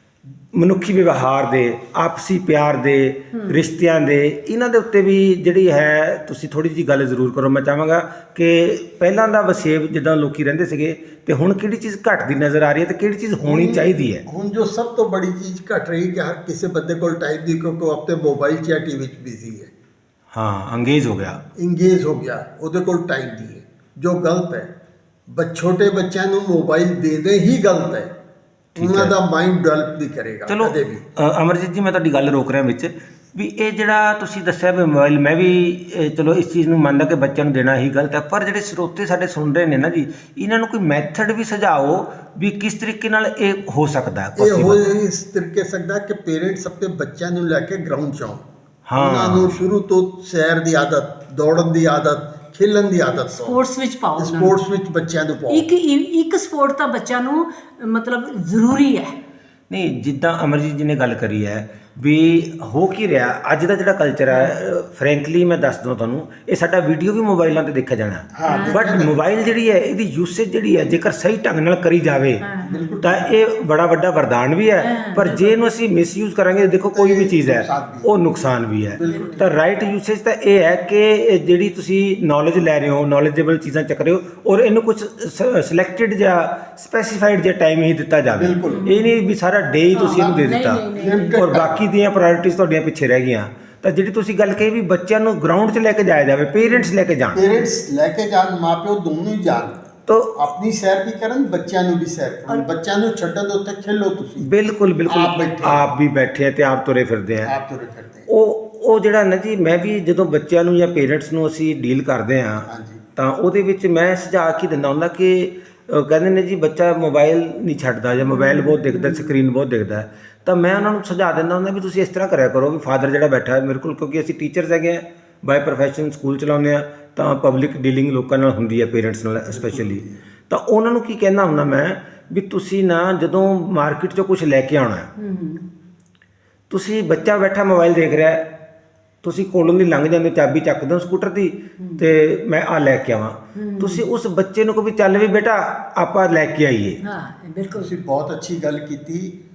Speaker 1: ਮਨੁੱਖੀ ਵਿਵਹਾਰ ਦੇ, ਆਪਸੀ ਪਿਆਰ ਦੇ, ਰਿਸ਼ਤਿਆਂ ਦੇ, ਇਹਨਾਂ ਦੇ ਉੱਤੇ ਵੀ ਜਿਹੜੀ ਹੈ ਤੁਸੀਂ ਥੋੜੀ ਜਿਹੀ ਗੱਲ ਜ਼ਰੂਰ ਕਰੋ। ਮੈਂ ਚਾਹਾਂਗਾ ਕਿ ਪਹਿਲਾਂ ਦਾ ਵਸੇਬ ਜਿੱਦਾਂ ਲੋਕੀ ਰਹਿੰਦੇ ਸੀਗੇ, ਤੇ ਹੁਣ ਕਿਹੜੀ ਚੀਜ਼ ਘਟਦੀ ਨਜ਼ਰ ਆ ਰਹੀ ਹੈ ਤੇ ਕਿਹੜੀ ਚੀਜ਼ ਹੋਣੀ ਚਾਹੀਦੀ ਹੈ।
Speaker 2: ਹੁਣ ਜੋ ਸਭ ਤੋਂ ਬੜੀ ਚੀਜ਼ ਘਟ ਰਹੀ ਕਿ ਹਰ ਕਿਸੇ ਬੰਦੇ ਕੋਲ ਟਾਈਮ ਦੀ, ਕਿਉਂਕਿ ਉਹ ਆਪਣੇ ਮੋਬਾਈਲ 'ਚ ਜਾਂ ਟੀ ਵੀ 'ਚ ਬਿਜ਼ੀ ਹੈ,
Speaker 1: ਹਾਂ, ਅੰਗੇਜ ਹੋ ਗਿਆ।
Speaker 2: ਇੰਗੇਜ ਹੋ ਗਿਆ, ਉਹਦੇ ਕੋਲ ਟਾਈਮ ਨਹੀਂ ਹੈ, ਜੋ ਗਲਤ ਹੈ। ਬ ਛੋਟੇ ਬੱਚਿਆਂ ਨੂੰ ਮੋਬਾਈਲ ਦੇ ਦੇ ਹੀ ਗਲਤ ਹੈ। ਉਹਨਾਂ ਦਾ ਮਾਈਂਡ ਡਿਵੈਲਪ ਨਹੀਂ ਕਰੇਗਾ
Speaker 1: ਚਲੋ
Speaker 2: ਕਦੇ ਵੀ।
Speaker 1: ਅ, ਅਮਰਜੀਤ ਜੀ, ਮੈਂ ਤੁਹਾਡੀ ਗੱਲ ਰੋਕ ਰਿਹਾ ਵਿੱਚ, ਵੀ ਇਹ ਜਿਹੜਾ ਤੁਸੀਂ ਦੱਸਿਆ ਵੀ ਮੋਬਾਈਲ, ਮੈਂ ਵੀ ਅ, ਚਲੋ ਇਸ ਚੀਜ਼ ਨੂੰ ਮੰਨਦਾ ਕਿ ਬੱਚਿਆਂ ਨੂੰ ਦੇਣਾ ਹੀ ਗਲਤ ਹੈ, ਪਰ ਜਿਹੜੇ ਸਰੋਤੇ ਸਾਡੇ ਸੁਣ ਰਹੇ ਨੇ ਨਾ ਜੀ, ਇਹਨਾਂ ਨੂੰ ਕੋਈ ਮੈਥਡ ਵੀ ਸੁਝਾਓ ਵੀ ਕਿਸ ਤਰੀਕੇ ਨਾਲ ਇਹ ਹੋ ਸਕਦਾ ਹੈ
Speaker 2: ਇਹ ਹੋ
Speaker 1: possible।
Speaker 2: ਇਸ ਤਰੀਕੇ ਸਕਦਾ ਕਿ ਪੇਰੈਂਟਸ ਆਪਣੇ ਬੱਚਿਆਂ ਨੂੰ ਲੈ ਕੇ ਗਰਾਊਂਡ 'ਚ ਆਉਣ।
Speaker 1: ਹਾਂ।
Speaker 2: ਉਹਨਾਂ ਨੂੰ ਸ਼ੁਰੂ ਤੋਂ ਸੈਰ ਦੀ ਆਦਤ, ਦੌੜਨ ਦੀ ਆਦਤ, ਖੇਲਣ ਦੀ ਆਦਤ,
Speaker 3: ਸਪੋਰਟਸ ਵਿੱਚ ਪਾਓ ਉਹਨਾਂ ਨੂੰ।
Speaker 2: ਸਪੋਰਟਸ ਵਿੱਚ ਬੱਚਿਆਂ ਨੂੰ ਪਾਓ।
Speaker 3: ਇੱਕ ਇੱਕ ਸਪੋਰਟ ਤਾਂ ਬੱਚਿਆਂ ਨੂੰ ਮਤਲਬ ਜ਼ਰੂਰੀ ਹੈ।
Speaker 1: ਨਹੀਂ, ਜਿੱਦਾਂ ਅਮਰਜੀਤ ਜੀ ਨੇ ਗੱਲ ਕਰੀ ਹੈ ਵੀ ਹੋ ਕੀ ਰਿਹਾ ਅੱਜ ਦਾ ਜਿਹੜਾ ਕਲਚਰ ਹੈ, ਫਰੈਂਕਲੀ ਮੈਂ ਦੱਸ ਦਵਾਂ ਤੁਹਾਨੂੰ, ਇਹ ਸਾਡਾ ਵੀਡੀਓ ਵੀ ਮੋਬਾਈਲਾਂ ਤੇ ਦੇਖਿਆ ਜਾਣਾ।
Speaker 2: ਹਾਂ,
Speaker 1: ਬਟ ਮੋਬਾਈਲ ਜਿਹੜੀ ਹੈ, ਇਹਦੀ ਯੂਸੇਜ ਜਿਹੜੀ ਹੈ, ਜੇਕਰ ਸਹੀ ਢੰਗ ਨਾਲ ਕਰੀ ਜਾਵੇ ਤਾਂ ਇਹ ਬੜਾ ਵੱਡਾ ਵਰਦਾਨ ਵੀ ਹੈ, ਪਰ ਜੇ ਇਹਨੂੰ ਅਸੀਂ ਮਿਸਯੂਜ਼ ਕਰਾਂਗੇ, ਦੇਖੋ ਕੋਈ ਵੀ ਚੀਜ਼ ਹੈ ਉਹ ਨੁਕਸਾਨ ਵੀ ਹੈ। ਤਾਂ ਰਾਈਟ ਯੂਸੇਜ ਤਾਂ ਇਹ ਹੈ ਕਿ ਇਹ ਜਿਹੜੀ ਤੁਸੀਂ ਨੌਲੇਜ ਲੈ ਰਹੇ ਹੋ, ਨੌਲੇਜੇਬਲ ਚੀਜ਼ਾਂ ਚੱਕ ਰਹੇ ਹੋ, ਔਰ ਇਹਨੂੰ ਕੁਝ ਸਿਲੈਕਟਡ ਜਾਂ ਸਪੈਸੀਫਾਈਡ ਜਿਹਾ ਟਾਈਮ ਹੀ ਦਿੱਤਾ ਜਾਵੇ। ਇਹ ਨਹੀਂ ਵੀ ਸਾਰਾ ਡੇ ਹੀ ਤੁਸੀਂ ਇਹਨੂੰ ਦੇ ਦਿੱਤਾ, ਔਰ ਬਾਕੀ ਦੀਆਂ ਪ੍ਰਾਇੋਰਟੀਜ਼ ਤੁਹਾਡੀਆਂ ਪਿੱਛੇ ਰਹਿ ਗਈਆਂ। ਤਾਂ ਜਿਹੜੀ ਤੁਸੀਂ ਗੱਲ ਕਹੀ ਵੀ ਬੱਚਿਆਂ ਨੂੰ ਗਰਾਊਂਡ 'ਚ ਲੈ ਕੇ ਜਾਇਆ ਜਾਵੇ, ਪੇਰੈਂਟਸ ਲੈ ਕੇ ਜਾਣ,
Speaker 2: ਪੇਰੈਂਟਸ ਲੈ ਕੇ ਜਾਣ, ਮਾਪਿਓ ਦੋਨੋਂ ਹੀ ਜਾਣ,
Speaker 1: ਤਾਂ
Speaker 2: ਆਪਣੀ ਸੈਰ ਵੀ ਕਰਨ, ਬੱਚਿਆਂ ਨੂੰ ਵੀ ਸੈਰ ਕਰਨ। ਬੱਚਿਆਂ ਨੂੰ ਛੱਡਣ ਦੇ ਉੱਤੇ ਖੇਲੋ ਤੁਸੀਂ,
Speaker 1: ਬਿਲਕੁਲ ਬਿਲਕੁਲ
Speaker 2: ਆਪ ਬੈਠੇ।
Speaker 1: ਆਪ ਵੀ ਬੈਠੇ ਆ ਤੇ ਆਪ ਤੁਰੇ ਫਿਰਦੇ ਆ।
Speaker 2: ਆਪ ਤੁਰੇ ਫਿਰਦੇ।
Speaker 1: ਉਹ ਉਹ ਜਿਹੜਾ ਨਾ ਜੀ, ਮੈਂ ਵੀ ਜਦੋਂ ਬੱਚਿਆਂ ਨੂੰ ਜਾਂ ਪੇਰੈਂਟਸ ਨੂੰ ਅਸੀਂ ਡੀਲ ਕਰਦੇ ਹਾਂ,
Speaker 2: ਹਾਂਜੀ।
Speaker 1: ਤਾਂ ਉਹਦੇ ਵਿੱਚ ਮੈਂ ਸੁਝਾਅ ਕੀ ਦਿੰਦਾ ਹੁੰਦਾ ਕਿ ਅਹ ਕਹਿੰਦੇ ਨੇ ਜੀ ਬੱਚਾ ਮੋਬਾਈਲ ਨਹੀਂ ਛੱਡਦਾ ਜਾਂ ਮੋਬਾਈਲ ਬਹੁਤ ਦੇਖਦਾ, ਸਕਰੀਨ ਬਹੁਤ ਦੇਖਦਾ, ਤਾਂ ਮੈਂ ਉਹਨਾਂ ਨੂੰ ਸੁਝਾਅ ਦਿੰਦਾ ਹੁੰਦਾ ਵੀ ਤੁਸੀਂ ਇਸ ਤਰ੍ਹਾਂ ਕਰਿਆ ਕਰੋ ਵੀ ਫਾਦਰ ਜਿਹੜਾ ਬੈਠਾ ਹੈ ਮੇਰੇ ਕੋਲ, ਕਿਉਂਕਿ ਅਸੀਂ ਟੀਚਰਸ ਹੈਗੇ ਆ ਬਾਏ ਪ੍ਰੋਫੈਸ਼ਨ, ਸਕੂਲ ਚਲਾਉਂਦੇ ਆ, ਤਾਂ ਪਬਲਿਕ ਡੀਲਿੰਗ ਲੋਕਾਂ ਨਾਲ ਹੁੰਦੀ ਹੈ, ਪੇਰੈਂਟਸ ਨਾਲ ਸਪੈਸ਼ਲੀ। ਤਾਂ ਉਹਨਾਂ ਨੂੰ ਕੀ ਕਹਿੰਦਾ ਹੁੰਦਾ ਮੈਂ ਵੀ ਤੁਸੀਂ ਨਾ ਜਦੋਂ ਮਾਰਕੀਟ 'ਚੋਂ ਕੁਝ ਲੈ ਕੇ ਆਉਣਾ, ਤੁਸੀਂ ਬੱਚਾ ਬੈਠਾ ਮੋਬਾਈਲ ਦੇਖ ਰਿਹਾ, ਤੁਸੀਂ ਕੋਲੋਂ ਦੀ ਲੰਘ ਜਾਂਦੇ ਚਾਬੀ ਚੱਕਦੇ ਹੋ ਸਕੂਟਰ ਦੀ ਤੇ ਮੈਂ ਆ ਲੈ ਕੇ ਆਵਾਂ, ਤੁਸੀਂ ਉਸ ਬੱਚੇ ਨੂੰ ਕਹੋ ਵੀ ਚੱਲ ਵੀ ਬੇਟਾ ਆਪਾਂ ਲੈ ਕੇ ਆਈਏ।
Speaker 3: ਹਾਂ ਬਿਲਕੁਲ
Speaker 2: ਤੁਸੀਂ ਬਹੁਤ ਅੱਛੀ ਗੱਲ ਕੀਤੀ।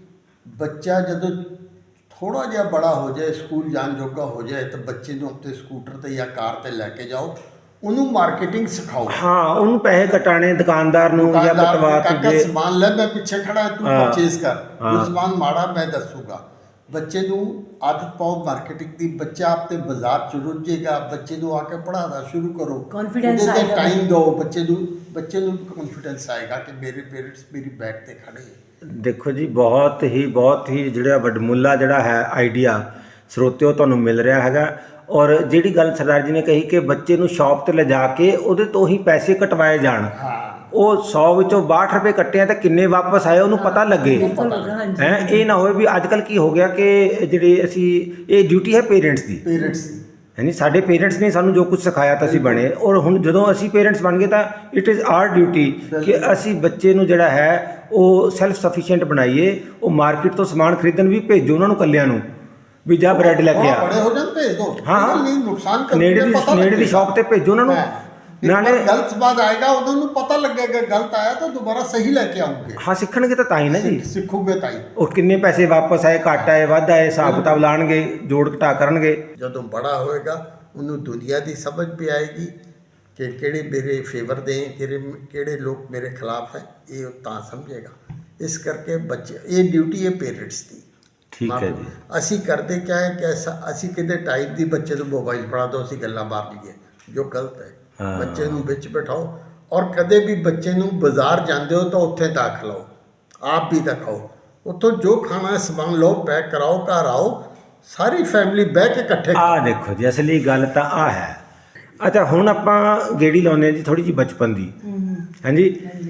Speaker 2: ਬੱਚਾ ਜਦੋਂ ਥੋੜਾ ਜਿਹਾ ਬੜਾ ਹੋ ਜਾਏ, ਸਕੂਲ ਜਾਣ ਜੋਗਾ ਹੋ ਜਾਏ, ਤਾਂ ਬੱਚੇ ਨੂੰ ਆਪਣੇ ਸਕੂਟਰ ਤੇ ਜਾਂ ਕਾਰ ਤੇ ਲੈ ਕੇ ਜਾਓ, ਉਹਨੂੰ ਮਾਰਕੀਟਿੰਗ ਸਿਖਾਓ।
Speaker 1: ਹਾਂ, ਉਹਨੂੰ ਪੈਸੇ ਕਟਾਣੇ ਦੁਕਾਨਦਾਰ ਨੂੰ ਜਾਂ
Speaker 2: ਦੁਕਾਨਦਾਰ
Speaker 1: ਬਟਵਾ
Speaker 2: ਨੂੰ ਕਾਕਾ
Speaker 1: ਤੁਝੇ
Speaker 2: ਸਮਾਨ ਲੈ, ਮੈਂ ਪਿੱਛੇ ਖੜਾ, ਤੂੰ
Speaker 1: ਹਾਂ,
Speaker 2: ਪਰਚੇਸ ਕਰ,
Speaker 1: ਹਾਂ।
Speaker 2: ਜੋ ਸਮਾਨ ਮਾੜਾ ਮੈਂ ਦੱਸੂਗਾ। ਬੱਚੇ ਨੂੰ ਆਦਤ ਪਾਓ ਮਾਰਕੀਟਿੰਗ ਦੀ। ਬੱਚਾ ਆਪੇ ਬਾਜ਼ਾਰ ਚ ਰੁੱਝੇਗਾ, ਬੱਚੇ ਨੂੰ ਆ ਕੇ ਪੜ੍ਹਾਉਣਾ ਸ਼ੁਰੂ ਕਰੋ,
Speaker 3: Confidence ਆਏਗਾ।
Speaker 2: ਟਾਈਮ ਦਿਓ ਬੱਚੇ ਨੂੰ, ਬੱਚੇ ਨੂੰ ਕੌਨਫੀਡੈਂਸ ਆਏਗਾ ਕਿ ਮੇਰੇ ਪੇਰੈਂਟਸ ਮੇਰੀ ਬੈਕ ਤੇ ਖੜੇ ਹੈ।
Speaker 1: ਦੇਖੋ ਜੀ, ਬਹੁਤ ਹੀ ਬਹੁਤ ਹੀ ਜਿਹੜਾ ਵੱਡਮੁੱਲਾ ਜਿਹੜਾ ਹੈ ਆਈਡੀਆ ਸਰੋਤਿਓ ਤੁਹਾਨੂੰ ਮਿਲ ਰਿਹਾ ਹੈਗਾ। ਔਰ ਜਿਹੜੀ ਗੱਲ ਸਰਦਾਰ ਜੀ ਨੇ ਕਹੀ ਕਿ ਬੱਚੇ ਨੂੰ ਸ਼ਾਪ ਤੇ ਲਿਜਾ ਕੇ ਉਹਦੇ ਤੋਂ ਹੀ ਪੈਸੇ ਕਟਵਾਏ ਜਾਣ,
Speaker 2: ਹਾਂ,
Speaker 1: ਉਹ ਸੌ ਵਿੱਚੋਂ ਬਾਹਠ ਰੁਪਏ ਕੱਟੇ ਆ ਤਾਂ ਕਿੰਨੇ ਵਾਪਸ ਆਏ ਉਹਨੂੰ ਪਤਾ ਲੱਗੇ।
Speaker 3: ਬਿਲਕੁਲ, ਹਾਂਜੀ।
Speaker 1: ਹੈ ਇਹ ਨਾ ਹੋਵੇ ਵੀ ਅੱਜ ਕੱਲ੍ਹ ਕੀ ਹੋ ਗਿਆ ਕਿ ਜਿਹੜੇ ਅਸੀਂ ਇਹ ਡਿਊਟੀ ਹੈ ਪੇਰੈਂਟਸ ਦੀ,
Speaker 2: ਪੇਰੈਂਟਸ ਦੀ।
Speaker 1: ਯਾਨੀ ਸਾਡੇ ਪੇਰੈਂਟਸ ਨੇ ਸਾਨੂੰ ਜੋ ਕੁਝ ਸਿਖਾਇਆ ਤਾਂ ਅਸੀਂ ਬਣੇ, ਔਰ ਹੁਣ ਜਦੋਂ ਅਸੀਂ ਪੇਰੈਂਟਸ ਬਣ ਗਏ ਤਾਂ ਇਟ ਇਜ਼ ਆਰ ਡਿਊਟੀ ਕਿ ਅਸੀਂ ਬੱਚੇ ਨੂੰ ਜਿਹੜਾ ਹੈ ਉਹ ਸੈਲਫ ਸਫੀਸ਼ੀਐਂਟ ਬਣਾਈਏ। ਉਹ ਮਾਰਕੀਟ ਤੋਂ ਸਮਾਨ ਖਰੀਦਣ ਵੀ ਭੇਜੋ ਉਹਨਾਂ ਨੂੰ, ਕੱਲਿਆਂ ਨੂੰ ਵੀ ਜਾ ਬ੍ਰੈਡ ਲੈ ਕੇ ਆ।
Speaker 2: ਬੜੇ ਹੋ ਜਾਣ ਭੇਜ ਦੋ।
Speaker 1: ਹਾਂ, ਹਾਂ।
Speaker 2: ਨਹੀਂ ਨੁਕਸਾਨ ਕਰ
Speaker 1: ਨੇੜੇ ਦੀ ਨੇੜੇ ਦੀ ਸ਼ਾਪ ਤੇ ਭੇਜੋ ਉਹਨਾਂ ਨੂੰ।
Speaker 2: ਨਾਲੇ ਗਲਤ ਬਾਤ ਆਏਗਾ, ਉਹਨਾਂ ਨੂੰ ਪਤਾ ਲੱਗੇਗਾ ਗਲਤ ਆਇਆ ਤਾਂ ਦੁਬਾਰਾ ਸਹੀ ਲੈ ਕੇ ਆਉਂਗੇ।
Speaker 1: ਹਾਂ, ਸਿੱਖਣਗੇ ਤਾਂ ਤਾਂ ਹੀ ਨਾ ਜੀ,
Speaker 2: ਸਿੱਖੋਗੇ ਤਾਂ ਹੀ।
Speaker 1: ਉਹ ਕਿੰਨੇ ਪੈਸੇ ਵਾਪਸ ਆਏ, ਘੱਟ ਆਏ, ਵੱਧ ਆਏ, ਹਿਸਾਬ ਕਿਤਾਬ ਲਾਣਗੇ, ਜੋੜ ਘਟਾ ਕਰਨਗੇ।
Speaker 2: ਜਦੋਂ ਬੜਾ ਹੋਏਗਾ ਉਹਨੂੰ ਦੁਨੀਆ ਦੀ ਸਮਝ ਵੀ ਆਏਗੀ ਕਿ ਕਿਹੜੇ ਮੇਰੇ ਫੇਵਰ ਦੇ, ਕਿਹੜੇ ਕਿਹੜੇ ਲੋਕ ਮੇਰੇ ਖਿਲਾਫ ਹੈ, ਇਹ ਉਹ ਤਾਂ ਸਮਝੇਗਾ। ਇਸ ਕਰਕੇ ਬੱਚੇ, ਇਹ ਡਿਊਟੀ ਹੈ ਪੇਰੈਂਟਸ ਦੀ।
Speaker 1: ਠੀਕ ਹੈ ਜੀ।
Speaker 2: ਅਸੀਂ ਕਰਦੇ ਕਿਆ ਹੈ ਕਿ ਅਸਾਂ- ਅਸੀਂ ਕਿਤੇ ਟਾਈਪ ਦੀ ਬੱਚੇ ਨੂੰ ਮੋਬਾਈਲ ਫੜਾ ਦਿਓ, ਅਸੀਂ ਗੱਲਾਂ ਮਾਰ ਲਈਏ, ਜੋ ਗਲਤ ਹੈ।
Speaker 1: ਹਾਂ।
Speaker 2: ਬੱਚੇ ਨੂੰ ਵਿੱਚ ਬਿਠਾਓ, ਔਰ ਕਦੇ ਵੀ ਬੱਚੇ ਨੂੰ ਬਾਜ਼ਾਰ ਜਾਂਦੇ ਹੋ ਤਾਂ ਉੱਥੇ ਤਾਂ ਖਿਲਾਓ, ਆਪ ਵੀ ਤਾਂ ਖਾਓ। ਉੱਥੋਂ ਜੋ ਖਾਣਾ ਹੈ ਸਮਾਨ ਲਓ, ਪੈਕ ਕਰਾਓ, ਘਰ ਆਓ, ਸਾਰੀ ਫੈਮਿਲੀ ਬਹਿ ਕੇ ਇਕੱਠੇ ਖਾਓ।
Speaker 1: ਆਹ ਦੇਖੋ ਜੀ, ਅਸਲੀ ਗੱਲ ਤਾਂ ਆਹ ਹੈ। ਅੱਛਾ, ਹੁਣ ਆਪਾਂ ਗੇੜੀ ਲਾਉਂਦੇ ਹਾਂ ਜੀ ਥੋੜੀ ਜਿਹੀ ਬਚਪਨ ਦੀ। ਹਾਂਜੀ,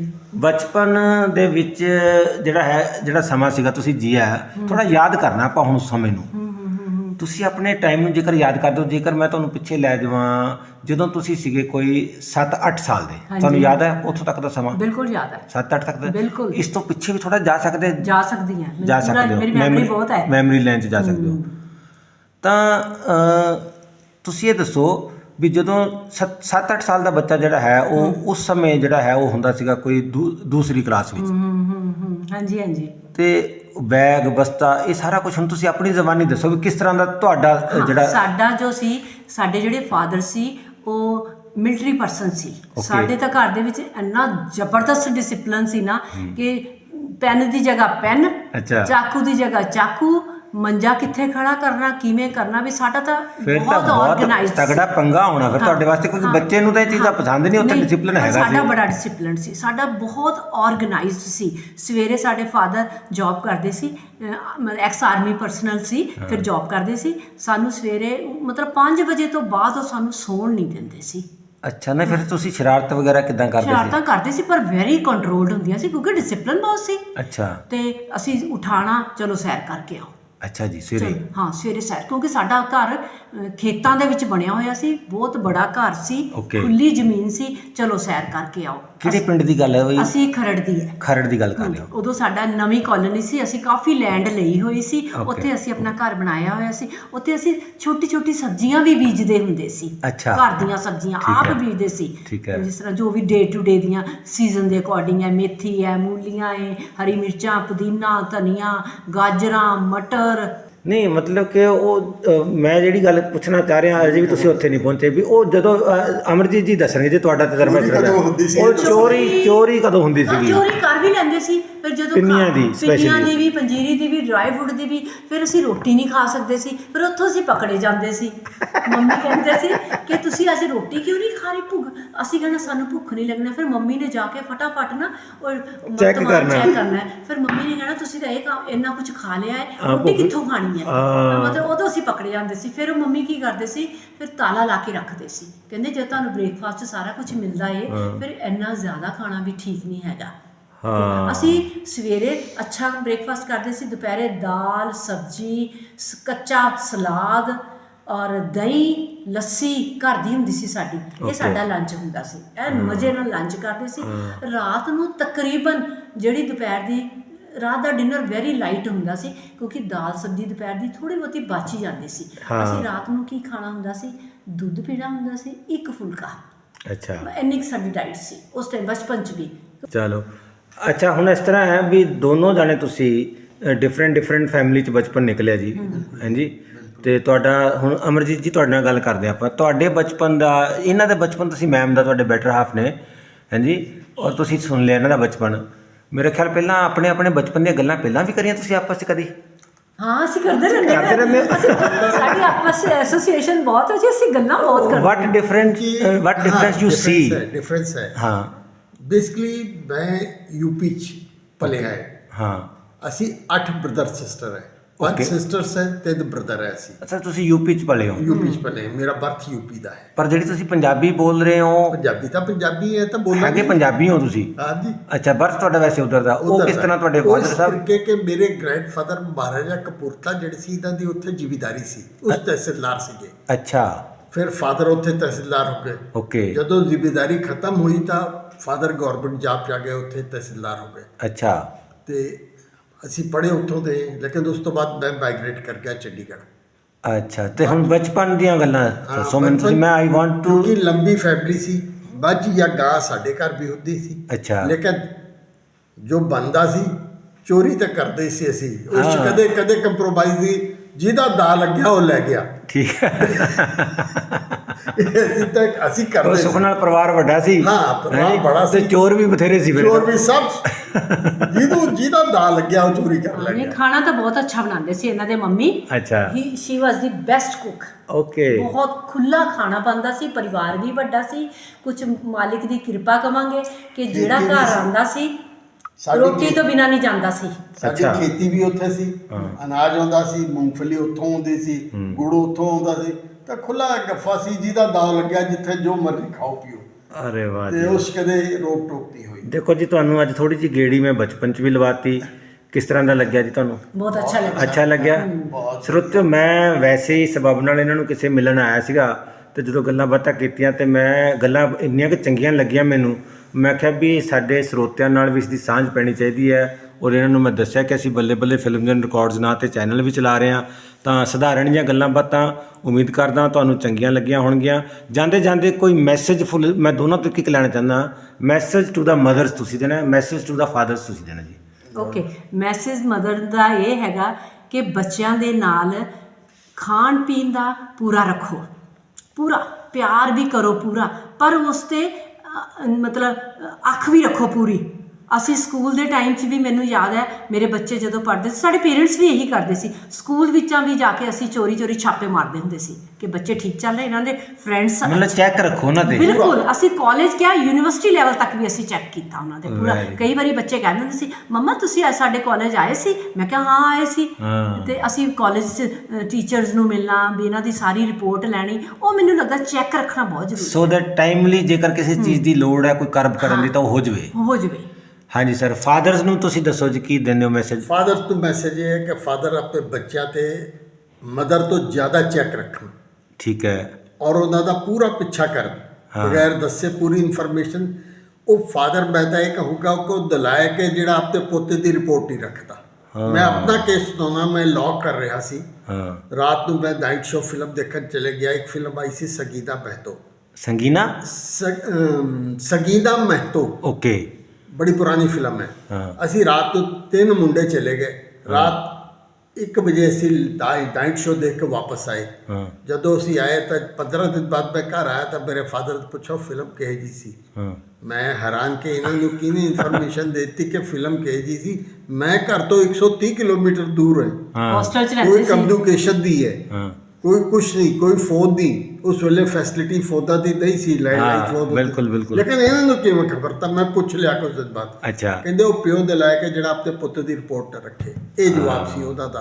Speaker 1: ਬਚਪਨ ਦੇ ਵਿੱਚ ਜਿਹੜਾ ਹੈ, ਜਿਹੜਾ ਸਮਾਂ ਸੀਗਾ ਤੁਸੀਂ ਜੀਆ, ਥੋੜਾ ਯਾਦ ਕਰਨਾ ਆਪਾਂ ਹੁਣ ਉਸ ਸਮੇਂ ਨੂੰ। ਤੁਸੀਂ ਆਪਣੇ ਟਾਈਮ ਨੂੰ ਜੇਕਰ ਯਾਦ ਕਰਦੇ ਹੋ, ਜੇਕਰ ਮੈਂ ਤੁਹਾਨੂੰ ਪਿੱਛੇ ਲੈ ਜਾਵਾਂ, ਜਦੋਂ ਤੁਸੀਂ ਸੀਗੇ ਕੋਈ ਸੱਤ ਅੱਠ ਸਾਲ ਦੇ, ਤੁਹਾਨੂੰ ਯਾਦ ਹੈ ਉੱਥੋਂ ਤੱਕ ਦਾ ਸਮਾਂ?
Speaker 3: ਬਿਲਕੁਲ ਯਾਦ ਹੈ।
Speaker 1: ਸੱਤ ਅੱਠ ਤੱਕ ਦਾ।
Speaker 3: ਬਿਲਕੁਲ।
Speaker 1: ਇਸ ਤੋਂ ਪਿੱਛੇ ਵੀ ਥੋੜਾ ਜਾ ਸਕਦੇ?
Speaker 3: ਜਾ ਸਕਦੀ ਹਾਂ,
Speaker 1: ਜਾ ਸਕਦੇ ਹੋ,
Speaker 3: ਮੇਰੀ ਮੈਮਰੀ ਬਹੁਤ ਹੈ,
Speaker 1: ਮੈਮਰੀ ਲਾਈਨ 'ਚ ਜਾ ਸਕਦੇ ਹੋ। ਤਾਂ ਅ, ਤੁਸੀਂ ਇਹ ਦੱਸੋ ਵੀ ਜਦੋਂ ਸੱਤ ਸੱਤ ਅੱਠ ਸਾਲ ਦਾ ਬੱਚਾ ਜਿਹੜਾ ਹੈ ਉਹ ਉਸ ਸਮੇਂ ਜਿਹੜਾ ਹੈ ਉਹ ਹੁੰਦਾ ਸੀਗਾ ਕੋਈ ਦੂ, ਦੂਸਰੀ ਕਲਾਸ ਵਿੱਚ।
Speaker 3: ਹੂੰ ਹੂੰ ਹੂੰ, ਹਾਂਜੀ ਹਾਂਜੀ।
Speaker 1: ਤੇ ਬੈਗ ਬਸਤਾ ਇਹ ਸਾਰਾ ਕੁਝ ਹੁਣ ਤੁਸੀਂ ਆਪਣੀ ਜ਼ਬਾਨੀ ਦੱਸੋ ਵੀ ਕਿਸ ਤਰ੍ਹਾਂ ਦਾ ਤੁਹਾਡਾ ਜਿਹੜਾ।
Speaker 3: ਸਾਡਾ ਜੋ ਸੀ, ਸਾਡੇ ਜਿਹੜੇ ਫਾਦਰ ਸੀ ਉਹ ਮਿਲਟਰੀ ਪਰਸਨ ਸੀ। ਸਾਡੇ ਤਾਂ ਘਰ ਦੇ ਵਿੱਚ ਇੰਨਾ ਜ਼ਬਰਦਸਤ ਡਿਸਪਲਿਨ ਸੀ ਨਾ ਕਿ ਪੈਨ ਦੀ ਜਗ੍ਹਾ ਪੈਨ,
Speaker 1: ਅੱਛਾ,
Speaker 3: ਚਾਕੂ ਦੀ ਜਗ੍ਹਾ ਚਾਕੂ, ਮੰਜਾ ਕਿੱਥੇ ਖੜਾ ਕਰਨਾ, ਕਿਵੇਂ ਕਰਨਾ, ਵੀ ਸਾਡਾ ਤਾਂ
Speaker 1: ਫਿਰ ਤਾਂ
Speaker 3: ਬਹੁਤ
Speaker 1: ਬਹੁਤ
Speaker 3: ਆਰਗੇਨਾਈਜ਼ਡ
Speaker 1: ਤਗੜਾ ਪੰਗਾ ਹੋਣਾ ਫਿਰ ਤੁਹਾਡੇ ਵਾਸਤੇ, ਕਿਉਂਕਿ ਬੱਚੇ ਨੂੰ ਤਾਂ ਇਹ ਚੀਜ਼ਾਂ ਪਸੰਦ ਨਹੀਂ, ਉੱਥੇ ਡਿਸਪਲਿਨ ਹੈਗਾ ਸੀ।
Speaker 3: ਸਾਡਾ ਬੜਾ ਡਿਸਪਲਿਨ ਸੀ, ਸਾਡਾ ਬਹੁਤ ਆਰਗੇਨਾਈਜ਼ਡ ਸੀ। ਸਵੇਰੇ ਸਾਡੇ ਫਾਦਰ ਜੌਬ ਕਰਦੇ ਸੀ, ਐਕਸ ਆਰਮੀ ਪਰਸਨਲ ਸੀ, ਫਿਰ ਜੌਬ ਕਰਦੇ ਸੀ। ਸਾਨੂੰ ਸਵੇਰੇ ਮਤਲਬ ਪੰਜ ਵਜੇ ਤੋਂ ਬਾਅਦ ਉਹ ਸਾਨੂੰ ਸੌਣ ਨਹੀਂ ਦਿੰਦੇ ਸੀ।
Speaker 1: ਅੱਛਾ, ਨਾ ਫਿਰ ਤੁਸੀਂ ਸ਼ਰਾਰਤ ਵਗੈਰਾ ਕਿਦਾਂ ਕਰਦੇ ਸੀ?
Speaker 3: ਸ਼ਰਾਰਤਾਂ ਕਰਦੇ ਸੀ ਪਰ ਵੈਰੀ ਕੰਟਰੋਲਡ ਹੁੰਦੀਆਂ ਸੀ, ਕਿਉਂਕਿ ਡਿਸਪਲਿਨ ਬਹੁਤ ਸੀ।
Speaker 1: ਅੱਛਾ,
Speaker 3: ਤੇ ਅਸੀਂ ਉਠਾਣਾ, ਚਲੋ ਸੈਰ ਕਰਕੇ ਆਓ।
Speaker 1: ਅੱਛਾ ਜੀ, ਸਵੇਰੇ?
Speaker 3: ਹਾਂ, ਸਵੇਰੇ ਸੈਰ, ਕਿਉਂਕਿ ਸਾਡਾ ਘਰ ਅ, ਖੇਤਾਂ ਦੇ ਵਿੱਚ ਬਣਿਆ ਹੋਇਆ ਸੀ, ਬਹੁਤ ਬੜਾ ਘਰ ਸੀ,
Speaker 1: Okay.
Speaker 3: ਖੁੱਲੀ ਜ਼ਮੀਨ ਸੀ, ਚਲੋ ਸੈਰ ਕਰਕੇ ਆਓ।
Speaker 1: ਕਿਹੜੇ ਪਿੰਡ ਦੀ ਗੱਲ ਹੈ ਬਈ?
Speaker 3: ਅਸੀਂ ਖਰੜ ਦੀ ਹੈ।
Speaker 1: ਖਰੜ ਦੀ ਗੱਲ ਕਰ ਰਹੇ ਹੋ?
Speaker 3: ਉਦੋਂ ਸਾਡਾ ਨਵੀਂ ਕਾਲੋਨੀ ਸੀ, ਅਸੀਂ ਕਾਫੀ ਲੈਂਡ ਲਈ ਹੋਈ ਸੀ,
Speaker 1: Okay.
Speaker 3: ਉੱਥੇ ਅਸੀਂ ਆਪਣਾ ਘਰ ਬਣਾਇਆ ਹੋਇਆ ਸੀ। ਉੱਥੇ ਅਸੀਂ ਛੋਟੀ ਛੋਟੀ ਸਬਜ਼ੀਆਂ ਵੀ ਬੀਜਦੇ ਹੁੰਦੇ ਸੀ।
Speaker 1: ਅੱਛਾ।
Speaker 3: ਘਰ ਦੀਆਂ ਸਬਜ਼ੀਆਂ
Speaker 1: ਠੀਕ
Speaker 3: ਆਪ
Speaker 1: ਹੈ।
Speaker 3: ਬੀਜਦੇ ਸੀ।
Speaker 1: ਠੀਕ ਹੈ।
Speaker 3: ਜਿਸ ਤਰ੍ਹਾਂ ਜੋ ਵੀ ਡੇ ਟੂ ਡੇ ਦੀਆਂ ਸੀਜ਼ਨ ਦੇ ਅਕੋਰਡਿੰਗ ਹੈ, ਮੇਥੀ ਹੈ, ਮੂਲੀਆਂ ਹੈ, ਹਰੀ ਮਿਰਚਾਂ, ਪੁਦੀਨਾ, ਧਨੀਆ, ਗਾਜਰਾਂ, ਮਟਰ।
Speaker 1: ਨਹੀਂ, ਮਤਲਬ ਕਿ ਉਹ ਅ, ਮੈਂ ਜਿਹੜੀ ਗੱਲ ਪੁੱਛਣਾ ਚਾਹ ਰਿਹਾ, ਅਜੇ ਵੀ ਤੁਸੀਂ ਉੱਥੇ ਨਹੀਂ ਪਹੁੰਚੇ ਵੀ ਉਹ ਜਦੋਂ ਅ, ਅਮਰਜੀਤ ਜੀ ਦੱਸਣਗੇ ਜੇ ਤੁਹਾਡਾ ਤਜਰਬਾ
Speaker 2: ਚੋਰੀ ਕਦੋਂ ਹੁੰਦੀ ਸੀ?
Speaker 1: ਉਹ ਚੋਰੀ ਚੋਰੀ ਕਦੋਂ ਹੁੰਦੀ
Speaker 3: ਹਾਂ,
Speaker 1: ਸੀਗੀ?
Speaker 3: ਚੋਰੀ ਕਰ ਵੀ ਲੈਂਦੇ ਸੀ। ਫਿਰ ਜਦੋਂ
Speaker 1: ਪਿੰਨੀਆਂ ਦੀ
Speaker 3: ਖਾ- ਪਿੰਨੀਆਂ
Speaker 1: specially।
Speaker 3: ਦੀ ਵੀ, ਪੰਜੀਰੀ ਦੀ ਵੀ, ਡਰਾਈ ਫਰੂਟ ਦੀ ਵੀ। ਫਿਰ ਅਸੀਂ ਰੋਟੀ ਨਹੀਂ ਖਾ ਸਕਦੇ ਸੀ, ਫਿਰ ਉੱਥੋਂ ਅਸੀਂ ਪਕੜੇ ਜਾਂਦੇ ਸੀ। ਮੰਮੀ ਕਹਿੰਦੇ ਸੀ ਕਿ ਤੁਸੀਂ ਅੱਜ ਰੋਟੀ ਕਿਉਂ ਨਹੀਂ ਖਾ ਰਹੀ, ਭੁੱਖ। ਅਸੀਂ ਕਹਿਣਾ ਸਾਨੂੰ ਭੁੱਖ ਨਹੀਂ ਲੱਗਣਾ। ਫਿਰ ਮੰਮੀ ਨੇ ਜਾ ਕੇ ਫਟਾਫਟ ਨਾ ਉਹ
Speaker 1: Check ਕਰਨਾ।
Speaker 3: ਚੈੱਕ ਕਰਨਾ ਹੈ। ਫਿਰ ਮੰਮੀ ਨੇ ਕਹਿਣਾ ਤੁਸੀਂ ਤਾਂ ਇਹ ਕੰਮ ਇੰਨਾ ਕੁਝ ਖਾ ਲਿਆ ਹੈ,
Speaker 1: ਹਾਂ,
Speaker 3: ਰੋਟੀ
Speaker 1: ਭੁੱਖ-
Speaker 3: ਕਿੱਥੋਂ ਖਾਣੀ ਹੈ।
Speaker 1: ਹਾਂ।
Speaker 3: ਮਤਲਬ ਉਦੋਂ ਅਸੀਂ ਪਕੜੇ ਜਾਂਦੇ ਸੀ। ਫਿਰ ਉਹ ਮੰਮੀ ਕੀ ਕਰਦੇ ਸੀ, ਫਿਰ ਤਾਲਾ ਲਾ ਕੇ ਰੱਖਦੇ ਸੀ। ਕਹਿੰਦੇ ਜੇ ਤੁਹਾਨੂੰ ਬ੍ਰੇਕਫਾਸਟ 'ਚ ਸਾਰਾ ਕੁਝ ਮਿਲਦਾ ਏ, ਫਿਰ ਇੰਨਾ ਜ਼ਿਆਦਾ ਖਾਣਾ ਵੀ ਠੀਕ ਨਹੀਂ ਹੈਗਾ।
Speaker 1: ਹਾਂ।
Speaker 3: ਅਸੀਂ ਸਵੇਰੇ ਅੱਛਾ ਬ੍ਰੇਕਫਾਸਟ ਕਰਦੇ ਸੀ, ਦੁਪਹਿਰੇ ਦਾਲ ਸਬਜ਼ੀ, ਸ- ਕੱਚਾ ਸਲਾਦ ਔਰ ਦਹੀਂ, ਲੱਸੀ ਘਰ ਦੀ ਹੁੰਦੀ ਸੀ ਸਾਡੀ। ਇਹ
Speaker 1: Okay.
Speaker 3: ਸਾਡਾ ਲੰਚ ਹੁੰਦਾ ਸੀ, ਐਨ ਮਜ਼ੇ ਨਾਲ ਲੰਚ ਕਰਦੇ ਸੀ। ਰਾਤ ਨੂੰ ਤਕਰੀਬਨ ਜਿਹੜੀ ਦੁਪਹਿਰ ਦੀ ਰਾਤ ਦਾ ਡਿਨਰ ਵੈਰੀ ਲਾਈਟ ਹੁੰਦਾ ਸੀ ਕਿਉਂਕਿ ਦਾਲ ਸਬਜ਼ੀ ਦੁਪਹਿਰ ਦੀ ਥੋੜੀ ਬਹੁਤੀ ਬਚ ਹੀ ਜਾਂਦੀ ਸੀ।
Speaker 1: ਹਾਂ।
Speaker 3: ਅਸੀਂ ਰਾਤ ਨੂੰ ਕੀ ਖਾਣਾ ਹੁੰਦਾ ਸੀ, ਦੁੱਧ ਪੀਣਾ ਹੁੰਦਾ ਸੀ, ਇੱਕ ਫੁਲਕਾ,
Speaker 1: ਅੱਛਾ
Speaker 3: ਇੰਨੀ ਕੁ ਸਾਡੀ ਡਾਈਟ ਸੀ ਉਸ ਟਾਈਮ ਬਚਪਨ 'ਚ ਵੀ।
Speaker 1: ਚਲੋ ਅੱਛਾ, ਹੁਣ ਇਸ ਤਰ੍ਹਾਂ ਹੈ ਵੀ ਦੋਨੋਂ ਜਾਣੇ ਤੁਸੀਂ ਡਿਫਰੈਂਟ ਡਿਫਰੈਂਟ ਫੈਮਿਲੀ 'ਚ ਬਚਪਨ ਨਿਕਲਿਆ ਜੀ, ਹਾਂਜੀ। ਤੇ ਤੁਹਾਡਾ ਹੁਣ ਅਮਰਜੀਤ ਜੀ ਤੁਹਾਡੇ ਨਾਲ ਗੱਲ ਕਰਦੇ ਆਪਾਂ, ਤੁਹਾਡੇ ਬਚਪਨ ਦਾ, ਇਹਨਾਂ ਦਾ ਬਚਪਨ, ਤੁਸੀਂ ਮੈਮ ਦਾ ਤੁਹਾਡੇ ਬੈਟਰ ਹਾਫ ਨੇ, ਹਾਂਜੀ, ਔਰ ਤੁਸੀਂ ਸੁਣ ਲਿਆ ਇਹਨਾਂ ਦਾ ਬਚਪਨ। ਮੇਰੇ ਖਿਆਲ ਪਹਿਲਾਂ ਆਪਣੇ ਆਪਣੇ ਬਚਪਨ ਦੀਆਂ ਗੱਲਾਂ ਪਹਿਲਾਂ ਵੀ ਕਰੀਆਂ ਤੁਸੀਂ ਆਪਸ 'ਚ ਕਦੀ?
Speaker 3: ਹਾਂ ਅਸੀਂ ਕਰਦੇ ਰਹਿੰਦੇ ਹਾਂ।
Speaker 1: ਕਰਦੇ ਰਹਿੰਦੇ ਹੋ?
Speaker 3: ਅਸੀਂ ਸਾਡੀ ਆਪਸ ਵਿੱਚ ਐਸੋਸੀਏਸ਼ਨ ਬਹੁਤ ਹੈ ਜੀ, ਅਸੀਂ ਗੱਲਾਂ ਬਹੁਤ ਕਰਦੇ
Speaker 1: what different what difference you see?
Speaker 2: Difference ਹੈ
Speaker 1: ਹਾਂ
Speaker 2: ਬੇਸਿਕਲੀ ਮੈਂ ਯੂਪੀ ਚ ਪਲਿਆ ਹੈ।
Speaker 1: ਹਾਂ
Speaker 2: ਅਸੀਂ ਅੱਠ ਬ੍ਰਦਰ ਸਿਸਟਰ ਹੈ, ਪੰਜ
Speaker 1: Okay.
Speaker 2: ਸਿਸਟਰਸ ਹੈ, ਤਿੰਨ ਬ੍ਰਦਰ ਹੈ। ਅਸੀਂ
Speaker 1: ਅੱਛਾ, ਤੁਸੀਂ ਯੂਪੀ 'ਚ ਪਲੇ ਹੋ?
Speaker 2: ਯੂਪੀ ਚ ਪਲੇ, ਮੇਰਾ ਬਰਥ ਯੂਪੀ ਦਾ ਹੈ।
Speaker 1: ਪਰ ਜਿਹੜੀ ਤੁਸੀਂ ਪੰਜਾਬੀ ਬੋਲ ਰਹੇ ਹੋ,
Speaker 2: ਪੰਜਾਬੀ ਤਾਂ ਪੰਜਾਬੀ ਹੈ ਤਾਂ
Speaker 1: ਹੈਗੇ
Speaker 2: ਬੋਲਾਂਗੇ।
Speaker 1: ਪੰਜਾਬੀ ਹੋ ਤੁਸੀਂ?
Speaker 2: ਹਾਂਜੀ।
Speaker 1: ਅੱਛਾ, ਬਰਥ ਤੁਹਾਡਾ ਵੈਸੇ ਉਧਰ ਦਾ, ਉਹ
Speaker 2: ਉੱਧਰ
Speaker 1: ਕਿਸ
Speaker 2: ਦਾ।
Speaker 1: ਤਰ੍ਹਾਂ ਤੁਹਾਡੇ
Speaker 2: ਉਹ
Speaker 1: ਫਾਦਰ
Speaker 2: ਇਸ
Speaker 1: ਸਾਹਿਬ?
Speaker 2: ਕਰਕੇ ਕਿ ਮੇਰੇ ਗ੍ਰੈਂਡਫਾਦਰ ਮਹਾਰਾਜਾ ਕਪੂਰਥਲਾ ਜਿਹੜੇ ਸੀ, ਇਹਨਾਂ ਦੀ ਉੱਥੇ ਜ਼ਿਮੀਦਾਰੀ ਸੀ, ਉਸ ਤਹਿਸੀਲਦਾਰ ਸੀਗੇ।
Speaker 1: ਅੱਛਾ
Speaker 2: ਫਿਰ ਫਾਦਰ ਉੱਥੇ ਤਹਿਸੀਲਦਾਰ ਹੋ ਗਏ।
Speaker 1: ਓਕੇ।
Speaker 2: ਜਦੋਂ ਜ਼ਿਮੀਦਾਰੀ ਖਤਮ ਹੋਈ ਤਾਂ ਫਾਦਰ ਗਵਰਨਮੈਂਟ ਜੌਬ ਜਾ ਗਏ, ਉੱਥੇ ਤਹਿਸੀਲਦਾਰ ਹੋ ਗਏ।
Speaker 1: ਅੱਛਾ
Speaker 2: ਤੇ ਅਸੀਂ ਪੜ੍ਹੇ ਉੱਥੋਂ ਦੇ, ਲੇਕਿਨ ਉਸ ਤੋਂ ਬਾਅਦ ਮੈਂ ਮਾਈਗ੍ਰੇਟ ਕਰ ਗਿਆ ਚੰਡੀਗੜ੍ਹ।
Speaker 1: ਅੱਛਾ, ਤੇ ਹੁਣ ਬਚਪਨ ਦੀਆਂ ਗੱਲਾਂ
Speaker 2: ਹਾਂ,
Speaker 1: ਦੱਸੋ ਮੈਨੂੰ ਤੁਸੀਂ। ਮੈਂ ਆਈ ਵਾਂਟ ਟੂ।
Speaker 2: ਕਿਉਂਕਿ ਲੰਬੀ ਫੈਮਿਲੀ ਸੀ, ਮੱਝ ਜਾਂ ਗਾਂ ਸਾਡੇ ਘਰ ਵੀ ਹੁੰਦੀ ਸੀ।
Speaker 1: ਅੱਛਾ।
Speaker 2: ਲੇਕਿਨ ਜੋ ਬਣਦਾ ਸੀ ਚੋਰੀ ਤਾਂ ਕਰਦੇ ਸੀ ਅਸੀਂ, ਉਸ 'ਚ
Speaker 1: ਹਾਂ।
Speaker 2: ਕਦੇ ਕਦੇ ਕੰਪਰੋਮਾਈਜ਼ ਨਹੀਂ, ਜਿਹਦਾ ਦਾ ਲੱਗਿਆ ਉਹ ਲੈ ਗਿਆ।
Speaker 1: ਠੀਕ ਹੈ।
Speaker 2: ਅਸੀਂ ਤਾਂ ਅਸੀਂ
Speaker 1: ਉਹ
Speaker 2: ਕਰਦੇ
Speaker 1: ਸੁਖ
Speaker 2: ਸੀ।
Speaker 1: ਨਾਲ ਪਰਿਵਾਰ ਵੱਡਾ ਸੀ।
Speaker 2: ਹਾਂ, ਪਰਿਵਾਰ
Speaker 1: ਹੈਂ?
Speaker 2: ਬੜਾ
Speaker 1: ਤੇ
Speaker 2: ਸੀ।
Speaker 1: ਚੋਰ ਵੀ ਬਥੇਰੇ ਸੀ ਫਿਰ।
Speaker 2: ਚੋਰ ਵੀ ਸਭ, ਜਿਹਨੂੰ ਜਿਹਦਾ ਦਾ ਲੱਗਿਆ ਉਹ ਚੋਰੀ ਕਰ ਲੈ
Speaker 3: ਨਹੀਂ,
Speaker 2: ਗਿਆ।
Speaker 3: ਖਾਣਾ ਤਾਂ ਬਹੁਤ ਅੱਛਾ ਬਣਾਉਂਦੇ ਸੀ ਇਹਨਾਂ ਦੇ ਮੰਮੀ।
Speaker 1: ਅੱਛਾ।
Speaker 3: He she was the best cook.
Speaker 1: Okay.
Speaker 3: ਬਹੁਤ ਖੁੱਲਾ ਖਾਣਾ ਬਣਦਾ ਸੀ, ਪਰਿਵਾਰ ਵੀ ਵੱਡਾ ਸੀ। ਕੁਝ ਮਾਲਿਕ ਦੀ ਕਿਰਪਾ ਕਵਾਂਗੇ ਕਿ ਜਿਹੜਾ
Speaker 2: ਖੇਤੀ ਵੀ
Speaker 3: ਘਰ
Speaker 2: ਸੀ।
Speaker 3: ਆਉਂਦਾ ਸੀ
Speaker 2: ਸਾਡੀ
Speaker 3: ਰੋਟੀ
Speaker 2: ਖੇਤੀ-
Speaker 3: ਤੋਂ ਬਿਨਾਂ ਨਹੀਂ ਜਾਂਦਾ ਸੀ।
Speaker 2: ਸਾਡੀ
Speaker 1: ਅੱਛਾ।
Speaker 2: ਖੇਤੀ ਵੀ ਉੱਥੇ ਸੀ, ਅਨਾਜ ਆਉਂਦਾ ਸੀ, ਮੂੰਗਫਲੀ ਉੱਥੋਂ ਆਉਂਦੀ ਸੀ, ਗੁੜ ਉੱਥੋਂ ਆਉਂਦਾ ਸੀ। ਤਾਂ ਖੁੱਲਾ ਗੱਫਾ ਸੀ, ਜਿਹਦਾ ਦਾਅ ਲੱਗਿਆ ਜਿੱਥੇ ਜੋ ਮਰਜ਼ੀ ਖਾਓ ਪੀਓ,
Speaker 1: ਅਰੇ ਵਾਹ
Speaker 2: ਤੇ
Speaker 1: ਜੀ।
Speaker 2: ਉਸ ਕਦੇ ਰੋਕ ਟੋਕ ਨਹੀਂ ਹੋਈ।
Speaker 1: ਦੇਖੋ ਜੀ, ਤੁਹਾਨੂੰ ਅੱਜ ਥੋੜੀ ਜਿਹੀ ਗੇੜੀ ਮੈਂ ਬਚਪਨ 'ਚ ਵੀ ਲਵਾਤੀ। ਕਿਸ ਤਰ੍ਹਾਂ ਦਾ ਲੱਗਿਆ ਜੀ ਤੁਹਾਨੂੰ?
Speaker 3: ਬਹੁਤ ਅੱਛਾ ਲੱਗਦਾ।
Speaker 1: ਅੱਛਾ ਲੱਗਿਆ?
Speaker 2: ਬਹੁਤ।
Speaker 1: ਸਰੋਤਿਓ, ਮੈਂ ਵੈਸੇ ਹੀ ਸਬਬ ਨਾਲ ਇਹਨਾਂ ਨੂੰ ਕਿਸੇ ਮਿਲਣ ਆਇਆ ਸੀਗਾ, ਤੇ ਜਦੋਂ ਗੱਲਾਂ ਬਾਤਾਂ ਕੀਤੀਆਂ ਤੇ ਮੈਂ ਗੱਲਾਂ ਇੰਨੀਆਂ ਕਿ ਚੰਗੀਆਂ ਲੱਗੀਆਂ ਮੈਨੂੰ। ਮੈਂ ਕਿਹਾ ਵੀ ਸਾਡੇ ਸਰੋਤਿਆਂ ਨਾਲ ਵੀ ਇਸ ਦੀ ਸਾਂਝ ਪੈਣੀ ਚਾਹੀਦੀ ਹੈ। ਔਰ ਇਹਨਾਂ ਨੂੰ ਮੈਂ ਦੱਸਿਆ ਕਿ ਅਸੀਂ ਬੱਲੇ ਬੱਲੇ ਫਿਲਮਸ ਐਂਡ ਰਿਕਾਰਡਸ ਨਾਂ 'ਤੇ ਚੈਨਲ ਵੀ ਚਲਾ ਰਹੇ ਹਾਂ। ਤਾਂ ਸਧਾਰਨ ਜਿਹੀਆਂ ਗੱਲਾਂ ਬਾਤਾਂ ਉਮੀਦ ਕਰਦਾ ਤੁਹਾਨੂੰ ਚੰਗੀਆਂ ਲੱਗੀਆਂ ਹੋਣਗੀਆਂ। ਜਾਂਦੇ ਜਾਂਦੇ ਕੋਈ ਮੈਸੇਜ ਫੁੱਲ ਮੈਂ ਦੋਨਾਂ ਤੋਂ ਇੱਕ ਲੈਣਾ ਚਾਹੁੰਦਾ। ਮੈਸੇਜ ਟੂ ਦਾ ਮਦਰਸ ਤੁਸੀਂ ਦੇਣਾ, ਮੈਸੇਜ ਟੂ ਦਾ ਫਾਦਰਸ ਤੁਸੀਂ ਦੇਣਾ ਜੀ।
Speaker 3: ਓਕੇ, ਮੈਸੇਜ ਮਦਰ ਦਾ ਇਹ ਹੈਗਾ ਕਿ ਬੱਚਿਆਂ ਦੇ ਨਾਲ ਖਾਣ ਪੀਣ ਦਾ ਪੂਰਾ ਰੱਖੋ, ਪੂਰਾ ਪਿਆਰ ਵੀ ਕਰੋ ਪੂਰਾ, ਪਰ ਉਸ 'ਤੇ ਅ, ਮਤਲਬ ਅ, ਅੱਖ ਵੀ ਰੱਖੋ ਪੂਰੀ। ਅਸੀਂ ਸਕੂਲ ਦੇ ਟਾਈਮ 'ਚ ਵੀ ਮੈਨੂੰ ਯਾਦ ਹੈ, ਮੇਰੇ ਬੱਚੇ ਜਦੋਂ ਪੜ੍ਹਦੇ ਸੀ, ਸਾਡੇ ਪੇਰੈਂਟਸ ਵੀ ਇਹੀ ਕਰਦੇ ਸੀ। ਸਕੂਲ ਵਿੱਚਾਂ ਵੀ ਜਾ ਕੇ ਅਸੀਂ ਚੋਰੀ ਚੋਰੀ ਛਾਪੇ ਮਾਰਦੇ ਹੁੰਦੇ ਸੀ ਕਿ ਬੱਚੇ ਠੀਕ ਚੱਲ ਰਹੇ, ਇਹਨਾਂ ਦੇ ਫਰੈਂਡਸ।
Speaker 1: ਮਤਲਬ ਚੈੱਕ ਰੱਖੋ ਉਹਨਾਂ ਤੇ।
Speaker 3: ਬਿਲਕੁਲ, ਅਸੀਂ ਕਾਲਜ ਕਿਹਾ, ਯੂਨੀਵਰਸਿਟੀ ਲੈਵਲ ਤੱਕ ਵੀ ਅਸੀਂ ਚੈੱਕ ਕੀਤਾ ਉਹਨਾਂ ਦੇ ਪੂਰਾ।
Speaker 1: Very
Speaker 3: ਕਈ ਵਾਰੀ ਬੱਚੇ ਕਹਿੰਦੇ ਹੁੰਦੇ ਸੀ, ਮੰਮਾ ਤੁਸੀਂ ਅੱਜ ਸਾਡੇ ਕਾਲਜ ਆਏ ਸੀ? ਮੈਂ ਕਿਹਾ ਹਾਂ ਆਏ ਸੀ।
Speaker 1: ਹਾਂ।
Speaker 3: ਤੇ ਅਸੀਂ ਕਾਲਜ 'ਚ ਟੀਚਰਸ ਨੂੰ ਮਿਲਣਾ ਵੀ ਇਹਨਾਂ ਦੀ ਸਾਰੀ ਰਿਪੋਰਟ ਲੈਣੀ, ਉਹ ਮੈਨੂੰ ਲੱਗਦਾ ਚੈੱਕ ਰੱਖਣਾ ਬਹੁਤ ਜ਼ਰੂਰੀ
Speaker 1: ਸੋ ਦੈਟ ਟਾਈਮਲੀ ਜੇਕਰ ਕਿਸੇ ਚੀਜ਼ ਦੀ ਲੋੜ ਹੈ, ਕੋਈ ਕਰਬ ਕਰਨ ਦੀ, ਤਾਂ ਉਹ ਹੋ ਜਾਵੇ।
Speaker 3: ਹੋ ਜਾਵੇ।
Speaker 1: ਹਾਂਜੀ ਸਰ, ਫਾਦਰਸ ਨੂੰ ਤੁਸੀਂ ਦੱਸੋ ਜੀ, ਕੀ ਦਿੰਦੇ ਹੋ ਮੈਸੇਜ?
Speaker 2: ਫਾਦਰ ਤੋਂ ਮੈਸੇਜ ਇਹ ਹੈ ਕਿ ਫਾਦਰ ਆਪਣੇ ਬੱਚਿਆਂ ਤੇ ਮਦਰ ਤੋਂ ਜ਼ਿਆਦਾ ਚੈੱਕ ਰੱਖਣ,
Speaker 1: ਠੀਕ ਹੈ।
Speaker 2: ਔਰ ਉਹਨਾਂ ਦਾ ਪੂਰਾ ਪਿੱਛਾ ਕਰਨ,
Speaker 1: ਹਾਂ।
Speaker 2: ਬਗੈਰ ਦੱਸੇ ਪੂਰੀ ਇਨਫੋਰਮੇਸ਼ਨ। ਉਹ ਫਾਦਰ ਮੈਂ ਤਾਂ ਇਹ ਕਹੂੰਗਾ ਕੋ ਦਲਾਇਆ ਕਿ ਜਿਹੜਾ ਆਪਣੇ ਪੋਤੇ ਦੀ ਰਿਪੋਰਟ ਨਹੀਂ ਰੱਖਦਾ।
Speaker 1: ਹਾਂ।
Speaker 2: ਮੈਂ ਆਪਣਾ ਕੇਸ ਸੁਣਾਉਣਾ, ਮੈਂ ਲਾਅ ਕਰ ਰਿਹਾ ਸੀ।
Speaker 1: ਹਾਂ।
Speaker 2: ਰਾਤ ਨੂੰ ਮੈਂ ਨਾਈਟ ਸ਼ੋ ਫਿਲਮ ਦੇਖਣ ਚਲੇ ਗਿਆ। ਇੱਕ ਫਿਲਮ ਆਈ ਸੀ ਸਗੀਨਾ ਮਹਿਤੋ।
Speaker 1: ਸੰਗੀਨਾ?
Speaker 2: ਸ- ਅਮ, ਸਗੀਨਾ ਮਹਿਤੋ,
Speaker 1: ਓਕੇ।
Speaker 2: ਬੜੀ ਪੁਰਾਣੀ ਫਿਲਮ ਹੈ।
Speaker 1: ਹਾਂ।
Speaker 2: ਅਸੀਂ ਰਾਤ ਨੂੰ ਤਿੰਨ ਮੁੰਡੇ ਚਲੇ ਗਏ। ਰਾਤ ਇੱਕ ਵਜੇ ਅਸੀਂ ਨਾਈਟ ਸ਼ੋ ਦੇਖ ਕੇ ਵਾਪਸ ਆਏ।
Speaker 1: ਹਾਂ।
Speaker 2: ਜਦੋਂ ਅਸੀਂ ਆਏ ਤਾਂ ਪੰਦਰਾਂ ਦਿਨ ਬਾਅਦ ਮੈਂ ਘਰ ਆਇਆ ਤਾਂ ਮੇਰੇ ਫਾਦਰ ਨੂੰ ਪੁੱਛੋ ਫਿਲਮ ਕਿਹੋ ਜਿਹੀ ਸੀ।
Speaker 1: ਹਾਂ।
Speaker 2: ਮੈਂ ਹੈਰਾਨ ਕਿ ਇਹਨਾਂ ਨੂੰ ਕਿਹਨੇ ਇਨਫੋਰਮੇਸ਼ਨ ਦੇ ਦਿੱਤੀ ਕਿ ਫਿਲਮ ਕਿਹੋ ਜਿਹੀ ਸੀ। ਮੈਂ ਘਰ ਤੋਂ ਇੱਕ ਸੌ ਤੀਹ ਕਿਲੋਮੀਟਰ ਦੂਰ ਹੈ,
Speaker 1: ਹਾਂ।
Speaker 3: ਹੋਸਟਲ 'ਚ
Speaker 2: ਕੋਈ
Speaker 3: ਰਹਿੰਦੇ ਸੀ।
Speaker 2: ਕਮਿਊਨੀਕੇਸ਼ਨ ਦੀ ਹੈ,
Speaker 1: ਹਾਂ।
Speaker 2: ਕੋਈ ਕੁਛ ਨਹੀਂ, ਕੋਈ ਫੋਨ ਨਹੀਂ। ਉਸ ਵੇਲੇ ਫੈਸਿਲਿਟੀ ਫੋਨਾਂ ਦੀ ਨਹੀਂ ਸੀ, ਲੈਂਡਲਾਈਨ
Speaker 1: ਹਾਂ,
Speaker 2: ਫੋਨ ਹੁੰਦੇ।
Speaker 1: ਬਿਲਕੁਲ, ਬਿਲਕੁਲ।
Speaker 2: ਲੇਕਿਨ ਇਹਨਾਂ ਨੂੰ ਕਿਵੇਂ ਖਬਰ? ਤਾਂ ਮੈਂ ਪੁੱਛ ਲਿਆ ਕੁਝ ਦਿਨ ਬਾਅਦ।
Speaker 1: ਅੱਛਾ।
Speaker 2: ਕਹਿੰਦੇ ਉਹ ਪਿਓ ਦੇ ਲਾਇਕ ਹੈ ਜਿਹੜਾ ਆਪਣੇ ਪੁੱਤ ਦੀ ਰਿਪੋਰਟ ਰੱਖੇ। ਇਹ ਜਵਾਬ ਸੀ ਉਹਦਾ ਤਾਂ।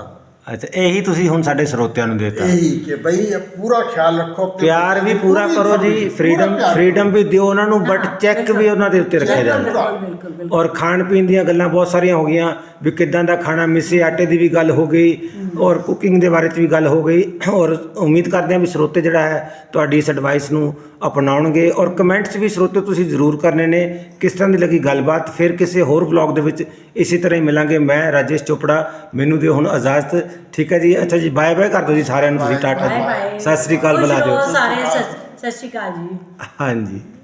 Speaker 1: ਅੱਛਾ, ਇਹੀ ਤੁਸੀਂ ਹੁਣ ਸਾਡੇ ਸਰੋਤਿਆਂ ਨੂੰ ਦੇਤਾ।
Speaker 2: ਇਹੀ ਕਿ ਬਈ ਇਹ ਪੂਰਾ ਖਿਆਲ ਰੱਖੋ ਆਪਣੇ
Speaker 1: ਪਿਆਰ ਵੀ
Speaker 2: ਬੱਚਿਆਂ ਦੀ,
Speaker 1: ਪੂਰਾ
Speaker 2: ਪੂਰੀ
Speaker 1: ਕਰੋ ਜੀ,
Speaker 2: ਪੂਰਾ
Speaker 1: ਫ੍ਰੀडम
Speaker 2: ਪਿਆਰ
Speaker 1: ਫ੍ਰੀडम ਵੀ ਦਿਓ ਉਹਨਾਂ ਨੂੰ, ਬਟ
Speaker 3: ਹਾਂ,
Speaker 1: ਚੈੱਕ ਵੀ ਉਹਨਾਂ ਦੇ ਉੱਤੇ ਰੱਖਿਆ
Speaker 2: ਚੈੱਕ
Speaker 1: ਜਾਵੇ।
Speaker 2: ਪੂਰਾ।
Speaker 3: ਬਿਲਕੁਲ ਬਿਲਕੁਲ।
Speaker 1: ਔਰ ਖਾਣ ਪੀਣ ਦੀਆਂ ਗੱਲਾਂ ਬਹੁਤ ਸਾਰੀਆਂ ਹੋ ਗਈਆਂ ਵੀ ਕਿੱਦਾਂ ਦਾ ਖਾਣਾ, ਮਿੱਸੇ ਆਟੇ ਦੀ ਵੀ ਗੱਲ ਹੋ ਗਈ ਔਰ ਕੁਕਿੰਗ ਦੇ ਬਾਰੇ 'ਚ ਵੀ ਗੱਲ ਹੋ ਗਈ। ਔਰ ਉਮੀਦ ਕਰਦੇ ਹਾਂ ਵੀ ਸਰੋਤੇ ਜਿਹੜਾ ਹੈ ਤੁਹਾਡੀ ਇਸ ਐਡਵਾਈਸ ਨੂੰ ਅਪਣਾਉਣਗੇ। ਔਰ ਕਮੈਂਟਸ ਵੀ ਸਰੋਤੇ ਤੁਸੀਂ ਜ਼ਰੂਰ ਕਰਨੇ ਨੇ ਕਿਸ ਤਰ੍ਹਾਂ ਦੀ ਲੱਗੀ ਗੱਲਬਾਤ। ਫਿਰ ਕਿਸੇ ਹੋਰ ਵਲੌਗ ਦੇ ਵਿੱਚ ਇਸੇ ਤਰ੍ਹਾਂ ਹੀ ਮਿਲਾਂਗੇ। ਮੈਂ ਰਾਜੇਸ਼ ਚੋਪੜਾ, ਮੈਨੂੰ ਦਿਓ ਹੁਣ ਇਜਾਜ਼ਤ। ਠੀਕ ਹੈ ਜੀ, ਅੱਛਾ ਜੀ, ਬਾਏ ਬਾਏ ਕਰ ਦਿਓ ਜੀ ਸਾਰਿਆਂ ਨੂੰ ਤੁਸੀਂ, ਟਾਟਾ
Speaker 3: ਬਾਏ
Speaker 1: ਜੀ,
Speaker 3: ਬਾਏ।
Speaker 1: ਸਤਿ ਸ੍ਰੀ ਅਕਾਲ
Speaker 3: ਖੁਸ਼
Speaker 1: ਬੁਲਾ ਦਿਓ।
Speaker 3: ਰਹੋ ਸਾਰੇ, ਸਤਿ ਸਤਿ ਸ਼੍ਰੀ ਅਕਾਲ ਜੀ।
Speaker 1: ਹਾਂਜੀ।